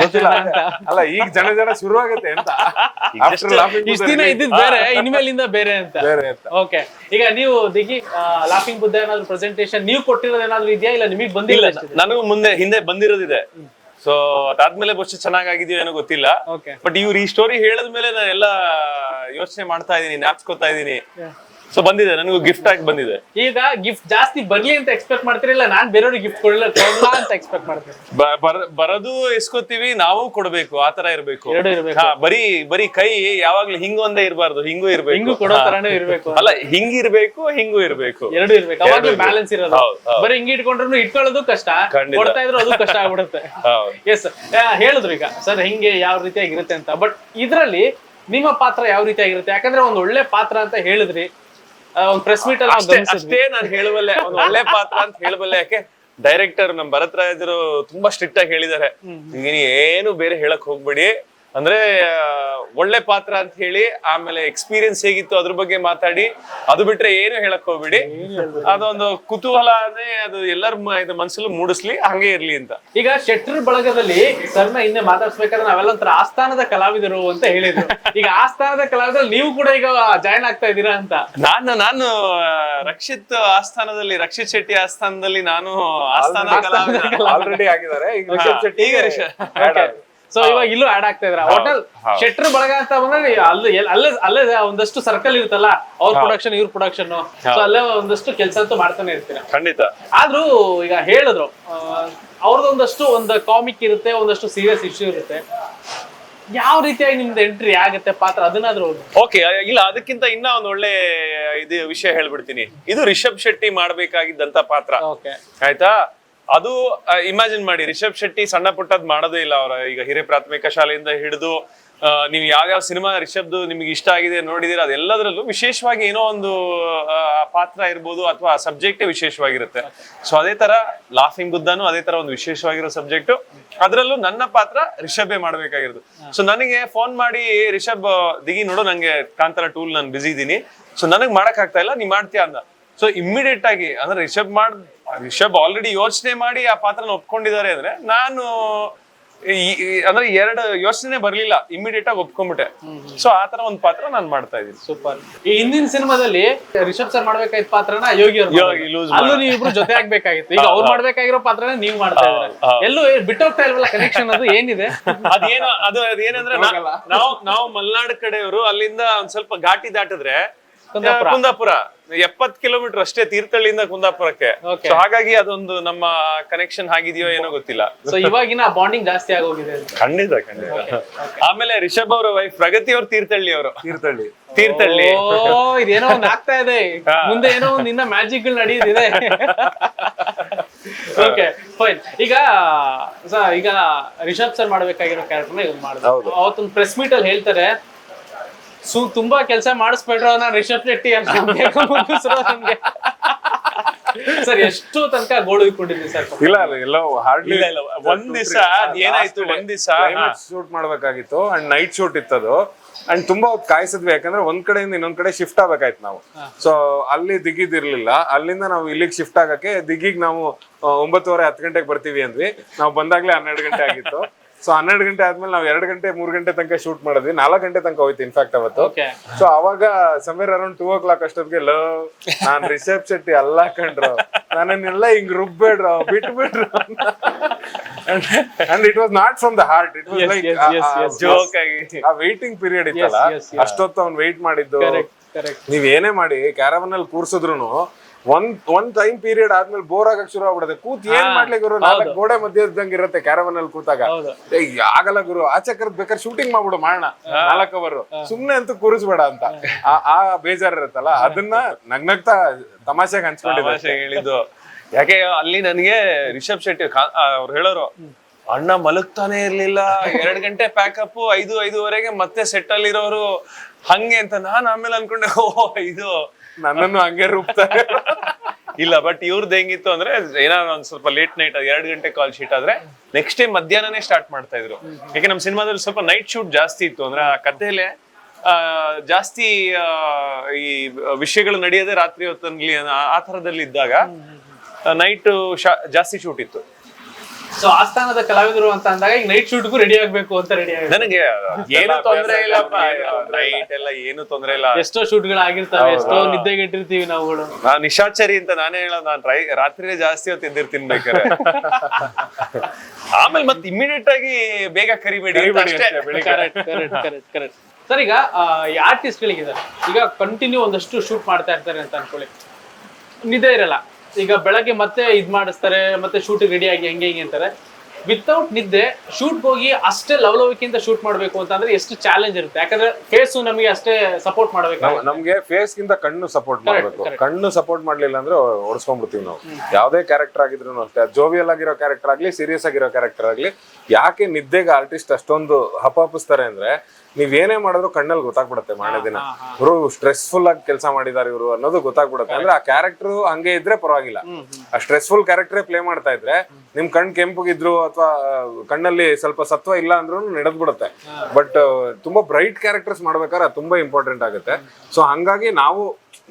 S1: ಅಲ್ಲ ಈಗ ಜನ ಶುರುವಾಗುತ್ತೆ ಅಂತ.
S3: ಇಷ್ಟ ದಿನ ಇದ್ದಿದ್ ಬೇರೆ, ಇನ್ಮೇಲಿಂದ ಬೇರೆ ಅಂತ. ಓಕೆ, ಈಗ ನೀವು ದಿಗಿ ಲಾಫಿಂಗ್ ಬುದ್ಧ ಏನಾದ್ರು ಪ್ರೆಸೆಂಟೇಶನ್ ನೀವು ಕೊಟ್ಟಿರೋದು ಏನಾದ್ರು ಇದೆಯಾ, ಇಲ್ಲ ನಿಮಗೆ ಬಂದಿಲ್ಲ?
S2: ನನಗೂ ಹಿಂದೆ ಬಂದಿರೋದಿದೆ. ಸೊ ಅದಾದ್ಮೇಲೆ ಬಹುಶಃ ಚೆನ್ನಾಗಿದೆಯೋ ಏನೋ ಗೊತ್ತಿಲ್ಲ. ಬಟ್ ಇವ್ರು ಈ ಸ್ಟೋರಿ ಹೇಳದ್ಮೇಲೆ ನಾನು ಎಲ್ಲ ಯೋಚನೆ ಮಾಡ್ತಾ ಇದೀನಿ, ಜ್ಞಾಪಿಸ್ಕೊತಾ ಇದೀನಿ. ಸೊ ಬಂದಿದೆ, ನನಗೂ ಗಿಫ್ಟ್ ಆಗಿ ಬಂದಿದೆ.
S3: ಈಗ ಗಿಫ್ಟ್ ಜಾಸ್ತಿ ಬರ್ಲಿ ಅಂತ ಎಕ್ಸ್ಪೆಕ್ಟ್ ಮಾಡ್ತಿರಲಿಲ್ಲ, ನಾನ್ ಬೇರೆಯವ್ರಿಗೆ ಗಿಫ್ಟ್ ಕೊಡಲ್ಲ ಅಂತ ಎಕ್ಸ್ಪೆಕ್ಟ್ ಮಾಡ್ತೀನಿ.
S2: ಬರೋದು ಎಸ್ಕೋತೀವಿ, ನಾವು ಕೊಡ್ಬೇಕು, ಆತರ ಇರ್ಬೇಕು. ಬರೀ ಕೈ ಯಾವಾಗ್ಲೂ ಹಿಂಗೊಂದೇ ಇರ್ಬಾರ್ದು, ಹಿಂಗೂ ಇರ್ಬೇಕು.
S3: ಹಿಂಗೂ ಕೊಡೋ ತರಾನೇ ಇರ್ಬೇಕು.
S2: ಅಲ್ಲ, ಹಿಂಗಿರ್ಬೇಕು, ಹಿಂಗೂ ಇರ್ಬೇಕು,
S3: ಎರಡು ಇರ್ಬೇಕು. ಅವಾಗ್ಲೂ ಬ್ಯಾಲೆನ್ಸ್ ಇರೋದು. ಬರೀ ಹಿಂಗ್ ಇಟ್ಕೊಂಡ್ರು ಇಟ್ಕೊಳ್ಳೋದು ಕಷ್ಟ, ಕೊಡ್ತಾ ಇದ್ರು ಅದು ಕಷ್ಟ ಆಗ್ಬಿಡುತ್ತೆ. ಎಸ್, ಹೇಳಿದ್ರು ಈಗ ಸರ್ ಹಿಂಗೆ ಯಾವ ರೀತಿಯಾಗಿರುತ್ತೆ ಅಂತ. ಬಟ್ ಇದ್ರಲ್ಲಿ ನಿಮ್ಮ ಪಾತ್ರ ಯಾವ ರೀತಿಯಾಗಿರುತ್ತೆ? ಯಾಕಂದ್ರೆ ಒಂದ್ ಒಳ್ಳೆ ಪಾತ್ರ ಅಂತ ಹೇಳಿದ್ರಿ, ಒಂದ್ ಪ್ರೆಸ್ ಮೀಟ್ ಅಲ್ಲಿ
S2: ಅಷ್ಟೇ ನಾನು ಹೇಳಬಲ್ಲೆ, ಒಂದ್ ಒಳ್ಳೆ ಪಾತ್ರ ಅಂತ ಹೇಳಬಲ್ಲೆ. ಯಾಕೆ ಡೈರೆಕ್ಟರ್ ನಮ್ ಭರತ್ ರಾಜರು ತುಂಬಾ ಸ್ಟ್ರಿಕ್ಟ್ ಆಗಿ ಹೇಳಿದ್ದಾರೆ, ನೀನ್ ಏನು ಬೇರೆ ಹೇಳಕ್ ಹೋಗ್ಬೇಡಿ ಅಂದ್ರೆ ಒಳ್ಳೆ ಪಾತ್ರ ಅಂತ ಹೇಳಿ ಆಮೇಲೆ ಎಕ್ಸ್ಪೀರಿಯನ್ಸ್ ಹೇಗಿತ್ತು ಅದ್ರ ಬಗ್ಗೆ ಮಾತಾಡಿ, ಅದು ಬಿಟ್ರೆ ಏನು ಹೇಳಕ್ ಹೋಗ್ಬಿಡಿ. ಅದೊಂದು ಕುತೂಹಲ ಅಂದ್ರೆ ಅದು ಎಲ್ಲರ ಮನಸ್ಸಲ್ಲೂ ಮೂಡಿಸ್ಲಿ, ಹಂಗೆ ಇರ್ಲಿ ಅಂತ.
S3: ಈಗ ಶೆಟ್ರ್ ಬಳಗದಲ್ಲಿ ಸರ್ನ ಹಿಂದೆ ಮಾತಾಡ್ಸ್ಬೇಕಾದ್ರೆ ನಾವೆಲ್ಲ ಒಂಥರ ಆಸ್ಥಾನದ ಕಲಾವಿದರು ಅಂತ ಹೇಳಿದ್ರು. ಈಗ ಆಸ್ಥಾನದ ಕಲಾವಿದರು ನೀವು ಕೂಡ ಈಗ ಜಾಯ್ನ್ ಆಗ್ತಾ ಇದ್ದೀರಾ ಅಂತ.
S2: ನಾನು ರಕ್ಷಿತ್ ಆಸ್ಥಾನದಲ್ಲಿ, ರಕ್ಷಿತ್ ಶೆಟ್ಟಿ ಆಸ್ಥಾನದಲ್ಲಿ ನಾನು ಆಸ್ಥಾನ ಕಲಾವಿದ
S1: ಆಲ್ರೆಡಿ ಆಗಿದ್ದಾರೆ. ಈಗ ರಿಷಬ್ ಶೆಟ್ಟಿ
S2: ಈಗ
S3: ಸೊ ಇವಾಗ ಇಲ್ಲೂ ಆಡ್ ಆಗ್ತಾ ಇದ್ರ. ಹೋಟೆಲ್ ಶೆಟ್ರ್ ಬಳಗ ಅಂತ ಬಂದ್ರೆ ಅಲ್ಲೇ ಒಂದಷ್ಟು ಸರ್ಕಲ್ ಇರುತ್ತಲ್ಲ, ಅವ್ರ ಪ್ರೊಡಕ್ಷನ್ ಇವ್ರ ಪ್ರೊಡಕ್ಷನ್, ಸೊ ಅಲ್ಲೇ ಒಂದಷ್ಟು ಕೆಲಸ ಅಂತೂ ಮಾಡ್ತಾನೆ ಇರ್ತೀರ
S2: ಖಂಡಿತ.
S3: ಆದ್ರೂ ಈಗ ಹೇಳಿದ್ರು ಅವ್ರದೊಂದಷ್ಟು ಒಂದು ಕಾಮಿಕ್ ಇರುತ್ತೆ, ಒಂದಷ್ಟು ಸೀರಿಯಸ್ ಇಶ್ಯೂ ಇರುತ್ತೆ. ಯಾವ ರೀತಿಯಾಗಿ ನಿಮ್ದು ಎಂಟ್ರಿ ಆಗುತ್ತೆ ಪಾತ್ರ, ಅದನ್ನಾದ್ರೂ
S2: ಓಕೆ. ಇಲ್ಲ, ಅದಕ್ಕಿಂತ ಇನ್ನ ಒಂದ್ ಒಳ್ಳೆ ಇದು ವಿಷಯ ಹೇಳ್ಬಿಡ್ತೀನಿ. ಇದು ರಿಷಬ್ ಶೆಟ್ಟಿ ಮಾಡ್ಬೇಕಾಗಿದ್ದಂತ ಪಾತ್ರ, ಆಯ್ತಾ? ಅದು ಇಮ್ಯಾಜಿನ್ ಮಾಡಿ, ರಿಷಬ್ ಶೆಟ್ಟಿ ಸಣ್ಣ ಪುಟ್ಟದ್ ಮಾಡೋದೇ ಇಲ್ಲ. ಅವರ ಈಗ ಹಿರಿಯ ಪ್ರಾಥಮಿಕ ಶಾಲೆಯಿಂದ ಹಿಡಿದು ನೀವು ಯಾವ್ಯಾವ ಸಿನಿಮಾ ರಿಷಬ್ದು ನಿಮ್ಗೆ ಇಷ್ಟ ಆಗಿದೆ ನೋಡಿದಿರ, ಅದೆಲ್ಲದ್ರಲ್ಲೂ ವಿಶೇಷವಾಗಿ ಏನೋ ಒಂದು ಪಾತ್ರ ಇರ್ಬೋದು ಅಥವಾ ಸಬ್ಜೆಕ್ಟೇ ವಿಶೇಷವಾಗಿರುತ್ತೆ. ಸೊ ಅದೇ ತರ ಲಾಫಿಂಗ್ ಬುದ್ಧನು ಅದೇ ತರ ಒಂದು ವಿಶೇಷವಾಗಿರೋ ಸಬ್ಜೆಕ್ಟ್. ಅದ್ರಲ್ಲೂ ನನ್ನ ಪಾತ್ರ ರಿಷಬೇ ಮಾಡ್ಬೇಕಾಗಿರೋದು. ಸೊ ನನಗೆ ಫೋನ್ ಮಾಡಿ, ರಿಷಬ್ ದಿಗಿ ನೋಡು, ನಂಗೆ ಕಾಂತಾರ 2 ನಾನು ಬಿಸಿ ಇದೀನಿ, ಸೊ ನನಗ್ ಮಾಡಕ್ ಆಗ್ತಾ ಇಲ್ಲ, ನೀ ಮಾಡ್ತೀಯ ಅಂದ. ಸೊ ಇಮ್ಮಿಡಿಯೇಟ್ ಆಗಿ ಅಂದ್ರೆ ರಿಷಬ್ ಆಲ್ರೆಡಿ ಯೋಚನೆ ಮಾಡಿ ಆ ಪಾತ್ರನ ಒಪ್ಕೊಂಡಿದ್ದಾರೆ ಅಂದ್ರೆ, ನಾನು ಅಂದ್ರೆ 2 ಯೋಚನೆ ಬರ್ಲಿಲ್ಲ, ಇಮಿಡಿಯೇಟ್ ಆಗಿ ಒಪ್ಕೊಂಡ್ಬಿಟ್ಟೆ. ಸೊ ಆತರ ಒಂದ್ ಪಾತ್ರ ನಾನು ಮಾಡ್ತಾ ಇದ್ದೀನಿ.
S3: ಸೂಪರ್. ಈ ಹಿಂದಿನ ಸಿನಿಮಾದಲ್ಲಿ ರಿಷಬ್ ಸರ್ ಮಾಡ್ಬೇಕಾಗಿದ್ದ ಪಾತ್ರನ ಯೋಗಿ ಅಲ್ಲೂ ನೀವು ಇಬ್ರು ಜೊತೆ ಆಗ್ಬೇಕಾಗಿತ್ತು. ಈಗ ಅವ್ರು ಮಾಡ್ಬೇಕಾಗಿರೋ ಪಾತ್ರನ ನೀವು ಮಾಡ್ತಾ ಇದ್ದಾರೆ. ಎಲ್ಲೂ ಬಿಟ್ಟೋಗ್ತಾ ಇಲ್ವಲ್ಲ ಕನೆಕ್ಷನ್, ಅದು ಏನಿದೆ?
S2: ಅದೇನಂದ್ರೆ ನಾವು ಮಲ್ನಾಡ್ ಕಡೆಯವರು, ಅಲ್ಲಿಂದ ಒಂದ್ ಸ್ವಲ್ಪ ಘಾಟಿ ದಾಟಿದ್ರೆ ಕುಂದಾಪುರ 70 ಕಿಲೋಮೀಟರ್ ಅಷ್ಟೇ, ತೀರ್ಥಹಳ್ಳಿಯಿಂದ ಕುಂದಾಪುರಕ್ಕೆ. ಸೊ ಹಾಗಾಗಿ ಅದೊಂದು ನಮ್ಮ ಕನೆಕ್ಷನ್ ಆಗಿದೆಯೋ ಏನೋ ಗೊತ್ತಿಲ್ಲ.
S3: ಸೊ ಇವಾಗಿನ ಬಾಂಡಿಂಗ್ ಜಾಸ್ತಿ ಆಗೋಗಿದೆ.
S2: ಖಂಡಿತ. ಆಮೇಲೆ ರಿಷಬ್ ಅವರ ವೈಫ್ ಪ್ರಗತಿ ಅವರು ತೀರ್ಥಹಳ್ಳಿ.
S3: ಇದೇನೋ ಒಂದ್ ಆಗ್ತಾ ಇದೆ, ಮುಂದೆ ಏನೋ ಒಂದ್ ಇನ್ನ ಮ್ಯಾಜಿಕ್ ಗಳು ನಡೆಯುತ್ತಿದೆ. Okay fine. ಈಗ ರಿಷಬ್ ಸರ್ ಮಾಡ್ಬೇಕಾಗಿರೋ ಕ್ಯಾರೆಕ್ಟರ್ನ ಇವ್ರು ಮಾಡಿದ್ರು. ಅವತ್ತೊಂದು ಪ್ರೆಸ್ ಮೀಟ್ ಅಲ್ಲಿ ಹೇಳ್ತಾರೆ, ತುಂಬಾ ಕೆಲಸ ಮಾಡಿಸ್ಬೇಡ್ರು ನಾನು ರಿಷಬ್ ಶೆಟ್ಟಿ ಅಂತ ನಮ್ಗೆ. ಸರ್ ಎಷ್ಟು ತನಕ ಗೋಳು ಇಟ್ಕೊಂಡಿದ್ವಿ ಸರ್?
S1: ಇಲ್ಲ ಎಲ್ಲೋ ಹಾರ್ಡ್ಲಿ
S2: ಒಂದ್ ದಿವಸ ಏನಾಯ್ತು,
S1: ಶೂಟ್ ಮಾಡ್ಬೇಕಾಗಿತ್ತು ಅಂಡ್ ನೈಟ್ ಶೂಟ್ ಇತ್ತದು. ಅಂಡ್ ತುಂಬಾ ಹೊತ್ತು ಕಾಯಿಸಿದ್ವಿ, ಯಾಕಂದ್ರೆ ಒಂದ್ ಕಡೆಯಿಂದ ಇನ್ನೊಂದ್ ಕಡೆ ಶಿಫ್ಟ್ ಆಗ್ಬೇಕಾಯ್ತು ನಾವು. ಸೊ ಅಲ್ಲಿ ದಿಗಿದಿರ್ಲಿಲ್ಲ, ಅಲ್ಲಿಂದ ನಾವು ಇಲ್ಲಿಗೆ ಶಿಫ್ಟ್ ಆಗಕ್ಕೆ ದಿಗಿಗ್ ನಾವು 9:30 10 ಗಂಟೆಗೆ ಬರ್ತೀವಿ ಅಂದ್ವಿ. ನಾವು ಬಂದಾಗ್ಲೇ 12 ಗಂಟೆ ಆಗಿತ್ತು. ಸೊ 12 ಗಂಟೆ ಆದ್ಮೇಲೆ ನಾವು 2 ಗಂಟೆ 3 ಗಂಟೆ ತನಕ ಶೂಟ್ ಮಾಡಿದ್ವಿ. 4 ಗಂಟೆ ತನಕ ಹೋಯ್ತು ಇನ್ಫ್ಯಾಕ್ಟ್ ಅವತ್ತು. ಸೊ ಅವಾಗ ಸಮ್ವೇರ್ ಅರೌಂಡ್ 2 o'clock ಅಷ್ಟೊತ್ತಿಗೆ ನಾನ್ ರಿಷಬ್ ಶೆಟ್ಟಿ ಅಲ್ಲ ಕಂಡ್ರು, ನನ್ನೆಲ್ಲ ಹಿಂಗ್ ರುಬ್ಬೇಡ್ರು, ಬಿಟ್ಬಿಡ್ರು. And it was not from the heart, it was like joke ಆಗಿ. ಆ ವೇಟಿಂಗ್ ಪೀರಿಯಡ್ ಇತ್ತಲ್ಲ, ಅಷ್ಟೊತ್ತು ಅವ್ನು ವೇಟ್ ಮಾಡಿದ್ದು. ನೀವ್ ಏನೇ ಮಾಡಿ ಕ್ಯಾರವನ್ ಅಲ್ಲಿ ಕೂರ್ಸಿದ್ರು ಒಂದ್ ಟೈಮ್ ಪೀರಿಯಡ್ ಆದ್ಮೇಲೆ ಬೋರ್ ಆಗಕ್ ಶುರು ಆಗ್ಬಿಡುತ್ತೆ. ಕೂತ್ ಏನ್ ಮಾಡ್ಲಿ ಗುರು, 4 ಗೋಡೆ ಮಧ್ಯೆ ಇದ್ದಂಗೆ ಇರುತ್ತೆ ಕ್ಯಾರವನ್ ಅಲ್ಲಿ ಕೂತಾಗ. ಆಗಲ್ಲ ಗುರು, ಆಚೆ ಕರೆದ್ ಬೇಕಾದ್ರೆ ಶೂಟಿಂಗ್ ಮಾಡ್ಬಿಡು, ಮಾಡೋಣ 4 hour, ಸುಮ್ನೆ ಅಂತೂ ಕೂರಿಸ್ಬೇಡ ಅಂತ ಆ ಬೇಜಾರ್ ಇರುತ್ತಲ್ಲ, ಅದನ್ನ ನಗ್ನಗ್ತಾ ತಮಾಷೆಗೆ
S2: ಹೇಳಿದ್ದು. ಯಾಕೆ ಅಲ್ಲಿ ನನಗೆ ರಿಷಬ್ ಶೆಟ್ಟಿ ಅವ್ರು ಹೇಳೋರು, ಅಣ್ಣ ಮಲಗ್ತಾನೆ ಇರ್ಲಿಲ್ಲ, 2 ಗಂಟೆ ಪ್ಯಾಕಪ್, 5-5:30 ಮತ್ತೆ ಸೆಟ್ ಅಲ್ಲಿ ಇರೋರು ಹಂಗೆ ಅಂತ. ನಾನ್ ಆಮೇಲೆ ಅನ್ಕೊಂಡೆ, ಇದು
S1: ನನ್ನನ್ನು ಹಂಗೆ ರೂಪ್ತಾರೆ.
S2: ಇಲ್ಲ, ಬಟ್ ಇವ್ರದ್ದು ಹೆಂಗಿತ್ತು ಅಂದ್ರೆ, ಏನಾದ್ರು ಒಂದ್ ಸ್ವಲ್ಪ ಲೇಟ್ ನೈಟ್ 2 ಗಂಟೆ ಕಾಲ್ ಶೀಟ್ ಆದ್ರೆ ನೆಕ್ಸ್ಟ್ ಡೇ ಮಧ್ಯಾಹ್ನನೇ ಸ್ಟಾರ್ಟ್ ಮಾಡ್ತಾ ಇದ್ರು. ಯಾಕೆ ನಮ್ ಸಿನಿಮಾದಲ್ಲಿ ಸ್ವಲ್ಪ ನೈಟ್ ಶೂಟ್ ಜಾಸ್ತಿ ಇತ್ತು. ಅಂದ್ರೆ ಆ ಕಥೆಲೆ ಜಾಸ್ತಿ ಈ ವಿಷಯಗಳು ನಡೆಯೋದೇ ರಾತ್ರಿ ಹೊತ್ತಲ್ಲಿ, ಆ ತರದಲ್ಲಿ ಇದ್ದಾಗ ನೈಟ್ ಜಾಸ್ತಿ ಶೂಟ್ ಇತ್ತು.
S3: ಸೊ ಆಸ್ಥಾನದ ಕಲಾವಿದರು ಅಂತ ಅಂದಾಗ ಈಗ ನೈಟ್ ಶೂಟ್ಗೂ ರೆಡಿ ಆಗ್ಬೇಕು ಅಂತ ರೆಡಿ ಆಗಿದೆ.
S2: ನನಗೆ ಏನು ತೊಂದ್ರೆ ಇಲ್ಲಪ್ಪ, ನೈಟ್ ಎಲ್ಲ ಏನು ತೊಂದ್ರೆ ಇಲ್ಲ.
S3: ಎಷ್ಟೋ ಶೂಟ್ಗಳು ಆಗಿರ್ತಾವೆ, ಎಷ್ಟೋ ನಿದ್ದೆಗೆಟ್ಟಿರ್ತೀವಿ ನಾವುಗಳು.
S2: ನಾನ್ ನಿಶಾಚರಿ ಅಂತ ನಾನೇ ಹೇಳೋದು, ನಾನ್ ರಾತ್ರಿನೇ ಜಾಸ್ತಿ ಹೊತ್ತು ಎದ್ದಿರ್ತೀನಿ ಬೇಕಾರೆ. ಆಮೇಲೆ ಮತ್ತೆ ಇಮಿಡಿಯೇಟ್ ಆಗಿ ಬೇಗ ಕರಿಬೇಡಿ.
S3: ಕರೆಕ್ಟ್. ಸರ್, ಈಗ ಈ ಆರ್ಟಿಸ್ಟ್ ಗಳಿಗಿದ್ದಾರೆ, ಈಗ ಕಂಟಿನ್ಯೂ ಒಂದಷ್ಟು ಶೂಟ್ ಮಾಡ್ತಾ ಇರ್ತಾರೆ ಅಂತ ಅನ್ಕೊಳ್ಳಿ, ನಿದ್ದೆ ಇರಲ್ಲ. ಈಗ ಬೆಳಗ್ಗೆ ಮತ್ತೆ ಇದ್ ಮಾಡಿಸ್ತಾರೆ, ಮತ್ತೆ ಶೂಟ್ ರೆಡಿ ಆಗಿ ಹೆಂಗೆ ಅಂತಾರೆ. ವಿತೌಟ್ ನಿದ್ದೆ ಶೂಟ್ ಹೋಗಿ ಅಷ್ಟೇ ಲವಲವಿಕೆಯಿಂದ ಶೂಟ್ ಮಾಡ್ಬೇಕು ಅಂತಂದ್ರೆ ಎಷ್ಟು ಚಾಲೆಂಜ್ ಇರುತ್ತೆ. ಯಾಕಂದ್ರೆ ಫೇಸ್ ನಮಗೆ ಅಷ್ಟೇ ಸಪೋರ್ಟ್ ಮಾಡ್ಬೇಕು.
S1: ನಮ್ಗೆ ಫೇಸ್ ಗಿಂತ ಕಣ್ಣು ಸಪೋರ್ಟ್ ಮಾಡ್ಬೇಕು. ಕಣ್ಣು ಸಪೋರ್ಟ್ ಮಾಡ್ಲಿಲ್ಲ ಅಂದ್ರೆ ಓಡಿಸ್ಕೊಂಡ್ಬಿಡ್ತೀವಿ ನಾವು. ಯಾವ್ದೇ ಕ್ಯಾರೆಕ್ಟರ್ ಆಗಿದ್ರು ಅಷ್ಟೇ, ಜೋವಿಯಲ್ ಆಗಿರೋ ಕ್ಯಾರೆಕ್ಟರ್ ಆಗ್ಲಿ, ಸೀರಿಯಸ್ ಆಗಿರೋ ಕ್ಯಾರೆಕ್ಟರ್ ಆಗ್ಲಿ, ಯಾಕೆ ನಿದ್ದೆಗೆ ಆರ್ಟಿಸ್ಟ್ ಅಷ್ಟೊಂದು ಹಪಾಪಿಸ್ತಾರೆ ಅಂದ್ರೆ, ನೀವ್ ಏನೇ ಮಾಡಿದ್ರು ಕಣ್ಣಲ್ಲಿ ಗೊತ್ತಾಗ್ಬಿಡುತ್ತೆ ಮಾರನೇ ದಿನ. ಇವರು ಸ್ಟ್ರೆಸ್ಫುಲ್ ಆಗಿ ಕೆಲಸ ಮಾಡಿದಾರೆ ಇವರು ಅನ್ನೋದು ಗೊತ್ತಾಗ್ಬಿಡುತ್ತೆ. ಅಂದ್ರೆ ಆ ಕ್ಯಾರೆಕ್ಟರ್ ಹಂಗೆ ಇದ್ರೆ ಪರವಾಗಿಲ್ಲ, ಆ ಸ್ಟ್ರೆಸ್ಫುಲ್ ಕ್ಯಾರೆಕ್ಟರ್ ಪ್ಲೇ ಮಾಡ್ತಾ ಇದ್ರೆ ನಿಮ್ ಕಣ್ ಕೆಂಪಗಿದ್ರು ಅಥವಾ ಕಣ್ಣಲ್ಲಿ ಸ್ವಲ್ಪ ಸತ್ವ ಇಲ್ಲ ಅಂದ್ರೂ ನಡೆದ್ ಬಿಡುತ್ತೆ. ಬಟ್ ತುಂಬಾ ಬ್ರೈಟ್ ಕ್ಯಾರೆಕ್ಟರ್ಸ್ ಮಾಡ್ಬೇಕಾದ್ರೆ ಅದು ತುಂಬಾ ಇಂಪಾರ್ಟೆಂಟ್ ಆಗುತ್ತೆ. ಸೊ ಹಂಗಾಗಿ ನಾವು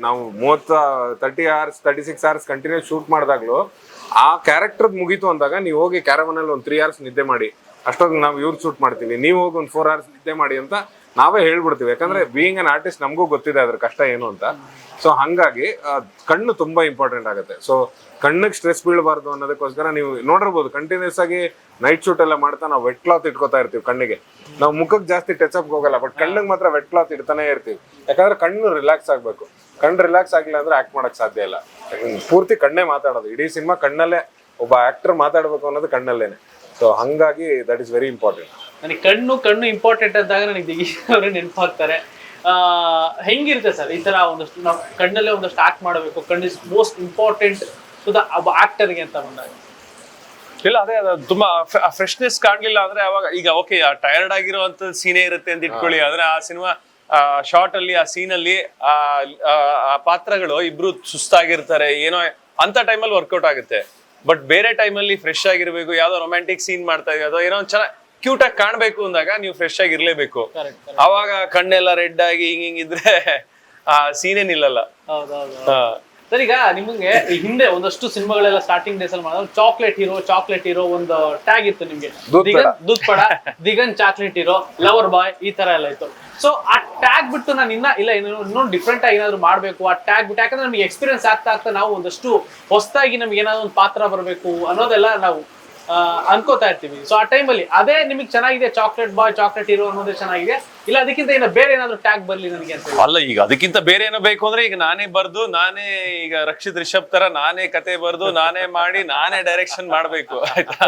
S1: 30 hours 36 hours ಕಂಟಿನ್ಯೂಸ್ ಶೂಟ್ ಮಾಡಿದಾಗ್ಲೂ ಆ ಕ್ಯಾರೆಕ್ಟರ್ ಮುಗೀತು ಅಂದಾಗ ನೀವು ಹೋಗಿ ಕ್ಯಾರವನಲ್ಲಿ ಒಂದು 3 hours ನಿದ್ದೆ ಮಾಡಿ, ಅಷ್ಟೊಂದು ನಾವು ಇವ್ರು ಶೂಟ್ ಮಾಡ್ತೀವಿ, ನೀವು ಹೋಗಿ ಒಂದು 4 hours ನಿದ್ದೆ ಮಾಡಿ ಅಂತ ನಾವೇ ಹೇಳ್ಬಿಡ್ತೀವಿ. ಯಾಕಂದ್ರೆ ಬೀಯಿಂಗ್ ಅನ್ ಆರ್ಟಿಸ್ಟ್ ನಮಗೂ ಗೊತ್ತಿದೆ ಅದ್ರ ಕಷ್ಟ ಏನು ಅಂತ. ಸೊ ಹಂಗಾಗಿ ಕಣ್ಣು ತುಂಬಾ ಇಂಪಾರ್ಟೆಂಟ್ ಆಗುತ್ತೆ. ಸೊ ಕಣ್ಣಿಗೆ ಸ್ಟ್ರೆಸ್ ಬೀಳಬಾರ್ದು ಅನ್ನೋದಕ್ಕೋಸ್ಕರ ನೀವು ನೋಡಿರ್ಬೋದು ಕಂಟಿನ್ಯೂಸ್ ಆಗಿ ನೈಟ್ ಶೂಟ್ ಎಲ್ಲ ಮಾಡ್ತಾ ನಾವು ವೆಟ್ ಕ್ಲಾತ್ ಇಟ್ಕೋತಾ ಇರ್ತೀವಿ ಕಣ್ಣಿಗೆ. ನಾವು ಮುಖಕ್ಕೆ ಜಾಸ್ತಿ ಟಚ್ ಅಪ್ ಹೋಗಲ್ಲ, ಬಟ್ ಕಣ್ಣಿಗೆ ಮಾತ್ರ ವೆಟ್ ಕ್ಲಾತ್ ಇಡ್ತಾನೆ ಇರ್ತೀವಿ. ಯಾಕಂದ್ರೆ ಕಣ್ಣು ರಿಲ್ಯಾಕ್ಸ್ ಆಗ್ಬೇಕು. ಕಣ್ಣು ರಿಲ್ಯಾಕ್ಸ್ ಆಗಿಲ್ಲ ಅಂದ್ರೆ ಆಕ್ಟ್ ಮಾಡಕ್ ಸಾಧ್ಯ ಇಲ್ಲ. ಪೂರ್ತಿ ಕಣ್ಣೇ ಮಾತಾಡೋದು, ಇಡೀ ಸಿನಿಮಾ ಕಣ್ಣಲ್ಲೇ ಒಬ್ಬ ಆಕ್ಟರ್ ಮಾತಾಡ್ಬೇಕು ಅನ್ನೋದು ಕಣ್ಣಲ್ಲೇನೆ. ಸೊ ಹಂಗಾಗಿ ದಟ್ ಇಸ್ ವೆರಿ ಇಂಪಾರ್ಟೆಂಟ್.
S3: ನನಗೆ ಕಣ್ಣು ಇಂಪಾರ್ಟೆಂಟ್ ಅಂದಾಗ ನನಗೆ ದಿಗೀಶ್ ಅವರು ನೆನಪಾಗ್ತಾರೆ. ಹೆಂಗಿರುತ್ತೆ ಸರ್ ಈ ತರ ಒಂದಷ್ಟು ನಾವು ಕಣ್ಣಲ್ಲೇ ಒಂದಷ್ಟು ಆಕ್ಟ್ ಮಾಡಬೇಕು, ಕಣ್ಣು is most important to the ಆಕ್ಟರ್ಗೆ ಅಂತ ಬಂದಾಗ?
S2: ಇಲ್ಲ ಅದೇ ಅದು ತುಂಬಾ ಫ್ರೆಶ್ನೆಸ್ ಕಾಣ್ಲಿಲ್ಲ ಅಂದ್ರೆ ಅವಾಗ ಈಗ ಓಕೆ ಟಯರ್ಡ್ ಆಗಿರುವಂತ ಸೀನೇ ಇರುತ್ತೆ ಅಂತ ಇಟ್ಕೊಳ್ಳಿ. ಆದ್ರೆ ಆ ಸಿನಿಮಾ ಶಾರ್ಟ್ ಅಲ್ಲಿ ಆ ಸೀನ್ ಅಲ್ಲಿ ಆ ಪಾತ್ರಗಳು ಇಬ್ರು ಸುಸ್ತಾಗಿರ್ತಾರೆ, ಏನೋ ಅಂತ ಟೈಮಲ್ಲಿ ವರ್ಕೌಟ್ ಆಗುತ್ತೆ. ಬಟ್ ಬೇರೆ ಟೈಮಲ್ಲಿ ಫ್ರೆಶ್ ಆಗಿರ್ಬೇಕು, ಯಾವ್ದೋ ರೊಮ್ಯಾಂಟಿಕ್ ಸೀನ್ ಮಾಡ್ತಾ ಇದೀವಿ ಅಥವಾ ಏನೋ ಚೆನ್ನಾಗಿ ಕ್ಯೂಟ್ ಆಗಿ ಕಾಣ್ಬೇಕು ಅಂದಾಗ ನೀವು ಫ್ರೆಶ್ ಆಗಿರ್ಲೇಬೇಕು. ಅವಾಗ ಕಣ್ಣೆಲ್ಲ ರೆಡ್ ಆಗಿ ಹಿಂಗಿದ್ರೆ ಆ ಸೀನೇ ನಿಲ್ಲಲ್ಲ.
S3: ಸರ್ ಈಗ ನಿಮಗೆ ಹಿಂದೆ ಒಂದಷ್ಟು ಸಿನಿಮಾಗಳೆಲ್ಲ ಸ್ಟಾರ್ಟಿಂಗ್ ಡೇಸ್ ಅಲ್ಲಿ ಮಾಡಿದ್ರೆ ಚಾಕ್ಲೇಟ್ ಹೀರೋ ಒಂದು ಟ್ಯಾಗ್ ಇತ್ತು ನಿಮ್ಗೆ, Doodh Peda, Diganth chocolate hero, lover boy, ಈ ತರ ಎಲ್ಲ ಇತ್ತು. ಸೊ ಆ ಟ್ಯಾಗ್ ಬಿಟ್ಟು ನಾನು ಇನ್ನೊಂದು ಡಿಫ್ರೆಂಟ್ ಆಗಿ ಏನಾದ್ರು ಮಾಡ್ಬೇಕು ಆ ಟ್ಯಾಗ್ ಬಿಟ್ಟು, ಯಾಕಂದ್ರೆ ನಮಗೆ ಎಕ್ಸ್ಪೀರಿಯನ್ಸ್ ಆಗ್ತಾ ನಾವು ಒಂದಷ್ಟು ಹೊಸದಾಗಿ ನಮ್ಗೆ ಏನಾದ್ರು ಒಂದು ಪಾತ್ರ ಬರಬೇಕು ಅನ್ನೋದೆಲ್ಲ ನಾವು ಅನ್ಕೋತಾ ಇರ್ತೀವಿ. ಸೊ ಆ ಟೈಮಲ್ಲಿ ಅದೇ ನಿಮಗೆ ಚೆನ್ನಾಗಿದೆ, ಚಾಕ್ಲೇಟ್ ಬಾಯ್ ಚಾಕ್ಲೇಟ್ ಹೀರೋ ಅನ್ನೋದೇ ಚೆನ್ನಾಗಿದೆ, ಇಲ್ಲ ಅದಕ್ಕಿಂತ ಏನೋ ಬೇರೆ ಏನಾದ್ರು ಟ್ಯಾಗ್ ಬರ್ಲಿ ನನಗೆ ಅಂತ?
S2: ಅಲ್ಲ, ಈಗ ಅದಕ್ಕಿಂತ ಬೇರೆ ಏನೋ ಬೇಕು ಅಂದ್ರೆ ಈಗ ನಾನೇ ಬರ್ದು, ನಾನೇ ಈಗ ರಕ್ಷಿತ್ ರಿಷಬ್ ತರ ನಾನೇ ಕತೆ ಬರ್ದು, ನಾನೇ ಮಾಡಿ, ನಾನೇ ಡೈರೆಕ್ಷನ್ ಮಾಡ್ಬೇಕು, ಆಯ್ತಾ?